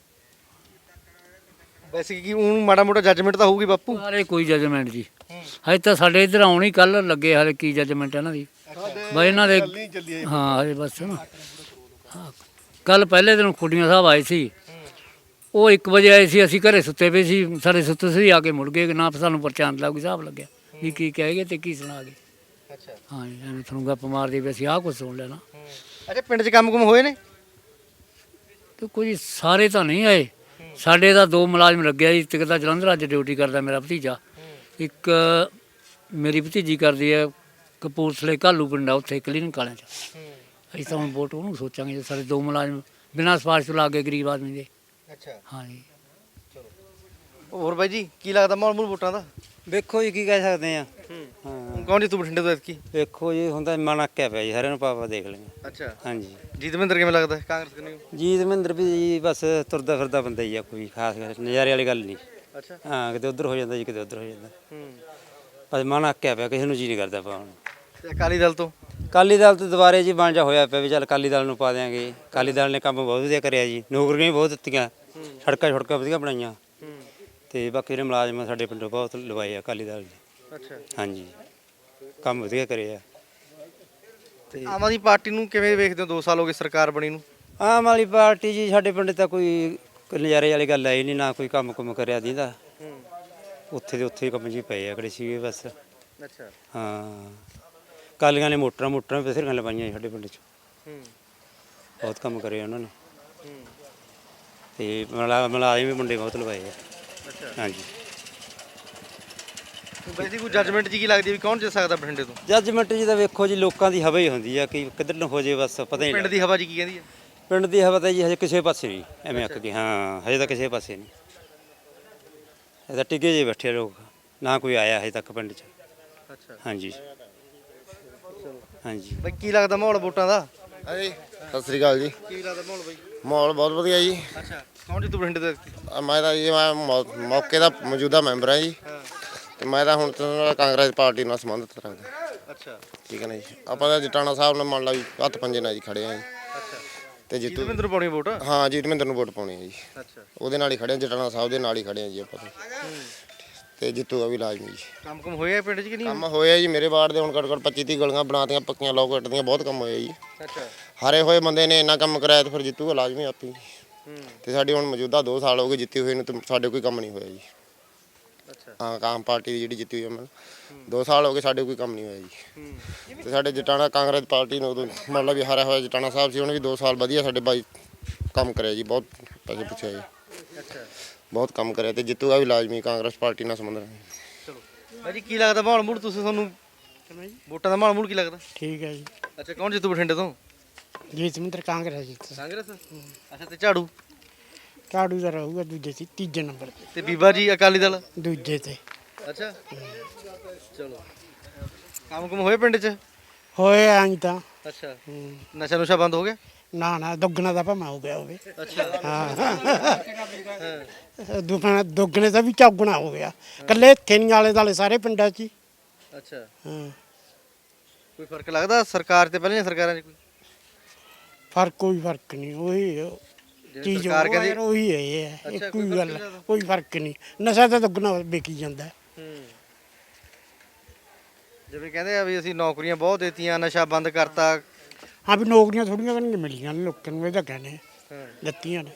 A: ਵੈਸੇ ਕੀ ਉਹ ਮਾੜਾ ਮੋਟਾ ਜੱਜਮੈਂਟ ਤਾਂ ਹੋਊਗੀ ਬਾਪੂ?
D: ਹਾਲੇ ਕੋਈ ਜੱਜਮੈਂਟ ਜੀ ਹਜੇ ਤਾਂ ਸਾਡੇ ਇੱਧਰ ਆਉਣੀ ਕੱਲ ਲੱਗੇ, ਹਾਲੇ ਕੀ ਜੱਜਮੈਂਟ ਇਹਨਾਂ ਦੀ ਬਸ ਇਹਨਾਂ ਦੇ। ਹਾਂ ਹਜੇ ਬਸ ਨਾ ਕੱਲ ਪਹਿਲੇ ਦਿਨ ਖੁੱਡੀਆਂ ਸਾਹਿਬ ਆਏ ਸੀ, ਉਹ ਇੱਕ ਵਜੇ ਆਏ ਸੀ, ਅਸੀਂ ਘਰੇ ਸੁੱਤੇ ਪਏ ਸੀ, ਸਾਡੇ ਸੁੱਤੇ ਸੀ ਆ ਕੇ ਮੁੜ ਗਏ ਨਾ, ਸਾਨੂੰ ਪਰਚਾਨ ਦਾ ਕੋਈ ਹਿਸਾਬ ਲੱਗਿਆ ਵੀ ਕੀ ਕਹਿ ਗਏ ਤੇ ਕੀ ਸੁਣਾ ਗਏ।
A: ਅੱਛਾ
D: ਹਾਂ ਜੀ ਐਵੇਂ ਤੁਹਾਨੂੰ ਗੱਪ ਮਾਰਦੇ ਵੀ ਅਸੀਂ ਆਹ ਕੁਛ ਸੁਣ ਲੈਣਾ।
A: ਅੱਛਾ ਪਿੰਡ 'ਚ ਕੰਮ ਕੁਮ ਹੋਏ ਨੇ?
D: ਤੇ ਕੋਈ ਸਾਰੇ ਤਾਂ ਨਹੀਂ ਆਏ, ਸਾਡੇ ਤਾਂ ਦੋ ਮੁਲਾਜ਼ਮ ਲੱਗਿਆ ਜੀ, ਇੱਕ ਤਾਂ ਜਲੰਧਰ ਅੱਜ ਡਿਊਟੀ ਕਰਦਾ ਮੇਰਾ ਭਤੀਜਾ, ਇੱਕ ਮੇਰੀ ਭਤੀਜੀ ਕਰਦੀ ਹੈ ਕਪੂਰਥਲੇ ਘਾਲੂ ਪਿੰਡ ਆ ਉੱਥੇ ਕਲੀਨਿਕ ਵਾਲਿਆਂ 'ਚ। ਅਸੀਂ ਤਾਂ ਹੁਣ ਵੋਟ ਉਹਨੂੰ ਸੋਚਾਂਗੇ ਜੇ ਸਾਡੇ ਦੋ ਮੁਲਾਜ਼ਮ ਬਿਨਾਂ ਸਿਫਾਰਿਸ਼ ਤੋਂ ਲੱਗ ਗਏ ਗਰੀਬ ਆਦਮੀ ਦੇ।
A: ਅੱਛਾ
D: ਹਾਂ ਜੀ
A: ਹੋਰ ਬਾਈ ਜੀ ਕੀ ਲੱਗਦਾ ਮਾਹੌਲ ਮੂਲ ਵੋਟਾਂ ਦਾ?
H: ਵੇਖੋ ਜੀ ਕੀ ਕਹਿ ਸਕਦੇ ਆ।
A: ਹਾਂ ਕੌਣ ਜਿੱਤੂ ਬਠਿੰਡੇ ਤੋਂ ਐਤਕੀ?
H: ਵੇਖੋ ਜੀ ਹੁਣ ਤਾਂ ਮਨ ਅੱਕਿਆ ਪਿਆ ਜੀ, ਸਾਰਿਆਂ ਨੂੰ ਪਾਪਾ ਦੇਖ ਲੈਂਗੇ।
A: ਅੱਛਾ
H: ਹਾਂਜੀ
A: ਜੀਤ ਮਹਿੰਦਰ ਕਿਵੇਂ ਲੱਗਦਾ ਕਾਂਗਰਸ ਕਨੂੰ?
H: ਜੀਤ ਮਹਿੰਦਰ ਵੀ ਜੀ ਬਸ ਤੁਰਦਾ ਫਿਰਦਾ ਬੰਦਾ ਹੀ ਆ, ਕੋਈ ਖਾਸ ਗੱਲ ਨਜ਼ਾਰੇ ਵਾਲੀ ਗੱਲ ਨਹੀਂ।
A: ਅੱਛਾ
H: ਹਾਂ ਕਿਤੇ ਉੱਧਰ ਹੋ ਜਾਂਦਾ ਜੀ, ਕਿਤੇ ਉੱਧਰ ਹੋ ਜਾਂਦਾ,
A: ਹੂੰ
H: ਬਸ ਮਨ ਅੱਕਿਆ ਪਿਆ, ਕਿਸੇ ਨੂੰ ਜੀ ਨਹੀਂ ਕਰਦਾ ਪਾਉਣ ਨੂੰ।
A: ਤੇ ਅਕਾਲੀ ਦਲ ਤੋਂ?
H: ਅਕਾਲੀ ਦਲ ਤੋਂ ਦੁਬਾਰੇ ਜੀ ਬਣ ਜਾ ਹੋਇਆ ਪਿਆ ਵੀ ਚੱਲ ਅਕਾਲੀ ਦਲ ਨੂੰ ਪਾ ਦਿਆਂਗੇ। ਅਕਾਲੀ ਦਲ ਨੇ ਕੰਮ ਬਹੁਤ ਵਧੀਆ ਕਰਿਆ ਜੀ, ਨੌਕਰੀਆਂ ਵੀ ਬਹੁਤ ਦਿੱਤੀਆਂ, ਸੜਕਾਂ ਛੜਕਾਂ ਵਧੀਆ ਬਣਾਈਆਂ, ਤੇ ਬਾਕੀ ਜਿਹੜੇ ਮੁਲਾਜ਼ਮ ਸਾਡੇ ਪਿੰਡੋਂ ਬਹੁਤ ਲਵਾਏ ਆ ਅਕਾਲੀ ਦਲ ਨੇ।
A: ਅੱਛਾ
H: ਹਾਂਜੀ ਕੰਮ ਵਧੀਆ ਕਰਿਆ।
A: ਤੇ ਆਮ ਆਦਮੀ ਪਾਰਟੀ ਨੂੰ ਕਿਵੇਂ ਵੇਖਦੇ ਹੋ? ਦੋ ਸਾਲ ਹੋ ਗਏ ਸਰਕਾਰ ਬਣੀ ਨੂੰ।
H: ਆਮ ਵਾਲੀ ਪਾਰਟੀ ਜੀ ਸਾਡੇ ਪਿੰਡ ਤਾਂ ਕੋਈ ਨਜ਼ਾਰੇ ਵਾਲੀ ਗੱਲ ਆਈ ਨਹੀਂ, ਨਾ ਕੋਈ ਕੰਮ ਕੁਮ ਕਰਿਆ ਦੀਦਾ, ਉੱਥੇ ਦੇ ਉੱਥੇ ਹੀ ਕੰਮ ਜੀ ਪਏ ਆ ਕਿਹੜੇ ਸੀਗੇ ਬਸ।
A: ਅੱਛਾ
H: ਹਾਂ ਕਾਲੀਆਂ ਨੇ ਮੋਟਰਾਂ ਮੋਟਰਾਂ ਵੀ ਬਥੇਰੀਆਂ ਲਵਾਈਆਂ ਸਾਡੇ ਪਿੰਡ 'ਚ, ਬਹੁਤ ਕੰਮ ਕਰਿਆ ਉਹਨਾਂ ਨੇ, ਤੇ ਮਲਾ ਮੁਲਾਜ਼ਮ ਵੀ ਮੁੰਡੇ ਬਹੁਤ ਲਵਾਏ ਆ। ਹਾਂਜੀ
A: ਵੈਸੇ ਕੋਈ ਜੱਜਮੈਂਟ ਜੀ ਕੀ ਲੱਗਦੀ ਵੀ ਕੌਣ ਜਿੱਤ ਸਕਦਾ ਬਠਿੰਡੇ ਤੋਂ?
H: ਜੱਜਮੈਂਟ ਜੀ ਤਾਂ ਵੇਖੋ ਜੀ ਲੋਕਾਂ ਦੀ ਹਵਾ ਹੀ ਹੁੰਦੀ ਆ, ਕਿ ਕਿੱਧਰ ਨੂੰ ਹੋ ਜੇ ਬਸ ਪਤਾ ਹੀ
A: ਪਿੰਡ
H: ਨਹੀਂ।
A: ਦੀ ਹਵਾ ਜੀ ਕੀ ਕਹਿੰਦੀ ਹੈ?
H: ਪਿੰਡ ਦੀ ਹਵਾ ਤਾਂ ਜੀ ਹਜੇ ਕਿਸੇ ਪਾਸੇ ਨਹੀਂ, ਐਵੇਂ ਅੱਕ ਗਈ। ਹਾਂ ਹਜੇ ਤਾਂ ਕਿਸੇ ਪਾਸੇ ਨਹੀਂ, ਇਹ ਤਾਂ ਟਿੱਗੇ ਜੇ ਬੈਠੇ ਲੋਕ, ਨਾ ਕੋਈ ਆਇਆ ਹਜੇ ਤੱਕ ਪਿੰਡ 'ਚ।
A: ਅੱਛਾ
H: ਹਾਂਜੀ ਹਾਂਜੀ
A: ਬਈ ਕੀ ਲੱਗਦਾ ਮਾਹੌਲ ਵੋਟਾਂ ਦਾ?
L: ਹਾਂਜੀ ਸਤਿ ਸ੍ਰੀ ਅਕਾਲ ਜੀ।
A: ਕੀ ਲੱਗਦਾ ਮਾਹੌਲ ਬਈ?
L: ਮਾਹੌਲ ਬਹੁਤ ਵਧੀਆ ਜੀ।
A: ਅੱਛਾ ਕੌਣ ਜਿੱਤੂ ਬਠਿੰਡੇ ਤੋਂ ਐਤਕੀ?
L: ਅ, ਮੈਂ ਤਾਂ ਜੀ ਮੈਂ ਮੌ- ਮੌਕੇ ਦਾ ਮੌਜੂਦਾ ਮੈਂਬਰ ਹਾਂ ਜੀ, ਤੇ ਮੈਂ ਤਾਂ ਹੁਣ ਤੋਂ ਕਾਂਗਰਸ ਪਾਰਟੀ ਨਾਲ ਸੰਬੰਧਿਤ ਰੱਖਦਾ।
A: ਅੱਛਾ
L: ਠੀਕ ਹੈ ਨਾ ਜੀ। ਆਪਾਂ ਤਾਂ ਜਟਾਣਾ ਸਾਹਿਬ ਨਾਲ ਮੰਨ ਲਾ ਵੀ ਹੱਥ ਪੰਜੇ ਨਾਲ ਜੀ ਖੜੇ ਆ ਜੀ,
A: ਅੱਛਾ
L: ਤੇ
A: ਜੀਤ
L: ਜਿੱਤੂ
A: ਮਹਿੰਦਰ ਪਾਉਣੀ ਵੋਟ?
L: ਹਾਂ ਜੀਤ ਮਹਿੰਦਰ ਨੂੰ ਵੋਟ ਪਾਉਣੀ ਹੈ ਜੀ,
A: ਅੱਛਾ
L: ਉਹਦੇ ਨਾਲ ਹੀ ਖੜੇ ਆ, ਜਟਾਣਾ ਸਾਹਿਬ ਦੇ ਨਾਲ ਹੀ ਖੜੇ ਆ ਜੀ ਆਪਾਂ ਤਾਂ। ਤੇ ਜਿੱਤੂਗਾ ਵੀ ਲਾਜ਼ਮੀ ਜੀ।
A: ਕੰਮ ਕੁਮ ਹੋਇਆ ਪਿੰਡ 'ਚ ਕਿ ਨਹੀਂ?
L: ਕੰਮ ਹੋਇਆ ਜੀ ਮੇਰੇ ਵਾਰਡ ਦੇ, ਹੁਣ ਘੱਟ ਘੱਟ ਪੱਚੀ ਤੀਹ ਗਲੀਆਂ ਬਣਾਤੀਆਂ ਪੱਕੀਆਂ, ਲੋਕ ਕੱਟਦੀਆਂ, ਬਹੁਤ ਕੰਮ ਹੋਇਆ ਜੀ।
A: ਅੱਛਾ
L: ਹਾਰੇ ਹੋਏ ਬੰਦੇ ਨੇ ਇੰਨਾ ਕੰਮ ਕਰਾਇਆ ਤੇ ਫਿਰ ਜਿੱਤੂਗਾ ਲਾਜ਼ਮੀ ਆਪੀ। ਤੇ ਸਾਡੀ ਹੁਣ ਮੌਜੂਦਾ ਦੋ ਸਾਲ ਹੋ ਗਏ ਜਿੱਤੀ ਹੋਏ ਨੂੰ, ਤੇ ਸਾਡੇ ਕੋਈ ਕੰਮ ਨਹੀਂ ਹੋਇਆ ਜੀ। ਹਾਂ ਆਮ ਪਾਰਟੀ ਦੀ ਜਿਹੜੀ ਜਿੱਤੀ ਹੋਈ ਅਮਲ ਦੋ ਸਾਲ ਹੋ ਗਏ ਸਾਡੇ ਕੋਈ ਕੰਮ ਨਹੀਂ ਹੋਇਆ ਜੀ ਤੇ ਸਾਡੇ ਜਟਾਣਾ ਕਾਂਗਰਸ ਪਾਰਟੀ ਨੂੰ ਉਦੋਂ ਮਤਲਬ ਵੀ ਹਾਰਿਆ ਹੋਇਆ ਜਟਾਣਾ ਸਾਹਿਬ ਸੀ ਉਹਨੇ ਵੀ ਦੋ ਸਾਲ ਵਧੀਆ ਸਾਡੇ ਬਾਈ ਕੰਮ ਕਰਿਆ ਜੀ ਬਹੁਤ ਪੈਸੇ ਪੁੱਛਿਆ ਜੀ ਬਹੁਤ ਕੰਮ ਕਰਿਆ ਤੇ ਜਿੱਤੂਗਾ ਵੀ ਲਾਜ਼ਮੀ ਕਾਂਗਰਸ ਪਾਰਟੀ ਨਾਲ ਸੰਬੰਧ ਰੱਖਦਾ।
A: ਚਲੋ ਭਾਜੀ ਕੀ ਲੱਗਦਾ ਮਾਹੌਲ ਮੂਡ ਤੁਸੀਂ ਤੁਹਾਨੂੰ ਵੋਟਾਂ ਦਾ ਮਾਹੌਲ ਮੂਡ ਕੀ ਲੱਗਦਾ?
J: ਠੀਕ ਹੈ ਜੀ।
A: ਅੱਛਾ ਕੌਣ ਜਿੱਤੂ ਬਠਿੰਡੇ ਤੋਂ?
J: ਜੀਤਮਿੰਦਰ ਕਾਂਗਰਸ ਜੀ।
A: ਕਾਂਗਰਸ। ਅੱਛਾ ਤੇ ਝਾੜੂ?
J: ਝਾੜੂ ਦਾ ਰਹੂਗਾ ਦੂਜੇ ਸੀ ਤੀਜੇ ਨੰਬਰ ਤੇ।
A: ਤੇ ਬੀਬਾ ਜੀ ਅਕਾਲੀ ਦਲ?
J: ਦੂਜੇ ਤੇ।
A: ਅੱਛਾ ਚਲੋ ਕੰਮ ਕੁਮ ਹੋਏ ਪਿੰਡ 'ਚ?
J: ਹੋਏ ਆਂ ਤਾਂ।
A: ਅੱਛਾ ਨਸ਼ਾ ਨੁਸ਼ਾ ਬੰਦ ਹੋ ਗਿਆ?
J: ਨਾ ਨਾ ਦੁੱਗਣਾ ਦਾ ਭਾਵੇਂ ਹੋ ਗਿਆ ਹੋਵੇ।
A: ਅੱਛਾ
J: ਹਾਂ ਦੁੱਗਣਾ ਦੁੱਗਣੇ ਦਾ ਵੀ ਚੌਗਣਾ ਹੋ ਗਿਆ ਕੱਲੇ ਇੱਥੇ ਨਹੀਂ ਆਲੇ ਦਾਲੇ ਸਾਰੇ ਪਿੰਡਾਂ 'ਚ ਹੀ।
A: ਅੱਛਾ
J: ਹਾਂ
A: ਕੋਈ ਫਰਕ ਲੱਗਦਾ ਸਰਕਾਰ ਤੇ ਪਹਿਲਾਂ ਸਰਕਾਰਾਂ 'ਚ ਕੋਈ?
J: ਫਰਕ ਕੋਈ ਫਰਕ ਨਹੀਂ ਉਹੀ ਚੀਜ਼
A: ਸਰਕਾਰ ਕਹਿੰਦੀ-
J: ਉਹ ਉਹੀ ਹੈ ਇਹ ਹੈ
A: ਅੱਛਾ,
J: ਇੱਕੋ
A: ਕੋਈ
J: ਹੀ
A: ਫਰਕ
J: ਗੱਲ
A: ਨਹੀਂ
J: ਹੈ,
A: ਲੱਗਦਾ?
J: ਕੋਈ ਫਰਕ ਨਹੀਂ ਨਸ਼ਾ ਤਾਂ ਦੁੱਗਣਾ ਵਿਕੀ ਜਾਂਦਾ ਹੈ।
A: ਜਿਵੇਂ ਕਹਿੰਦੇ ਆ ਵੀ ਅਸੀਂ ਨੌਕਰੀਆਂ ਬਹੁਤ ਦਿੱਤੀਆਂ ਨਸ਼ਾ ਬੰਦ ਕਰਤਾ।
J: ਹਾਂ ਵੀ ਨੌਕਰੀਆਂ ਥੋੜੀਆਂ ਨਹੀਂ ਮਿਲੀਆਂ ਨੇ ਲੋਕਾਂ ਨੂੰ ਇਹ ਤਾਂ ਕਹਿੰਦੇ
A: ਹਾਂ
J: ਦਿੱਤੀਆਂ ਨੇ।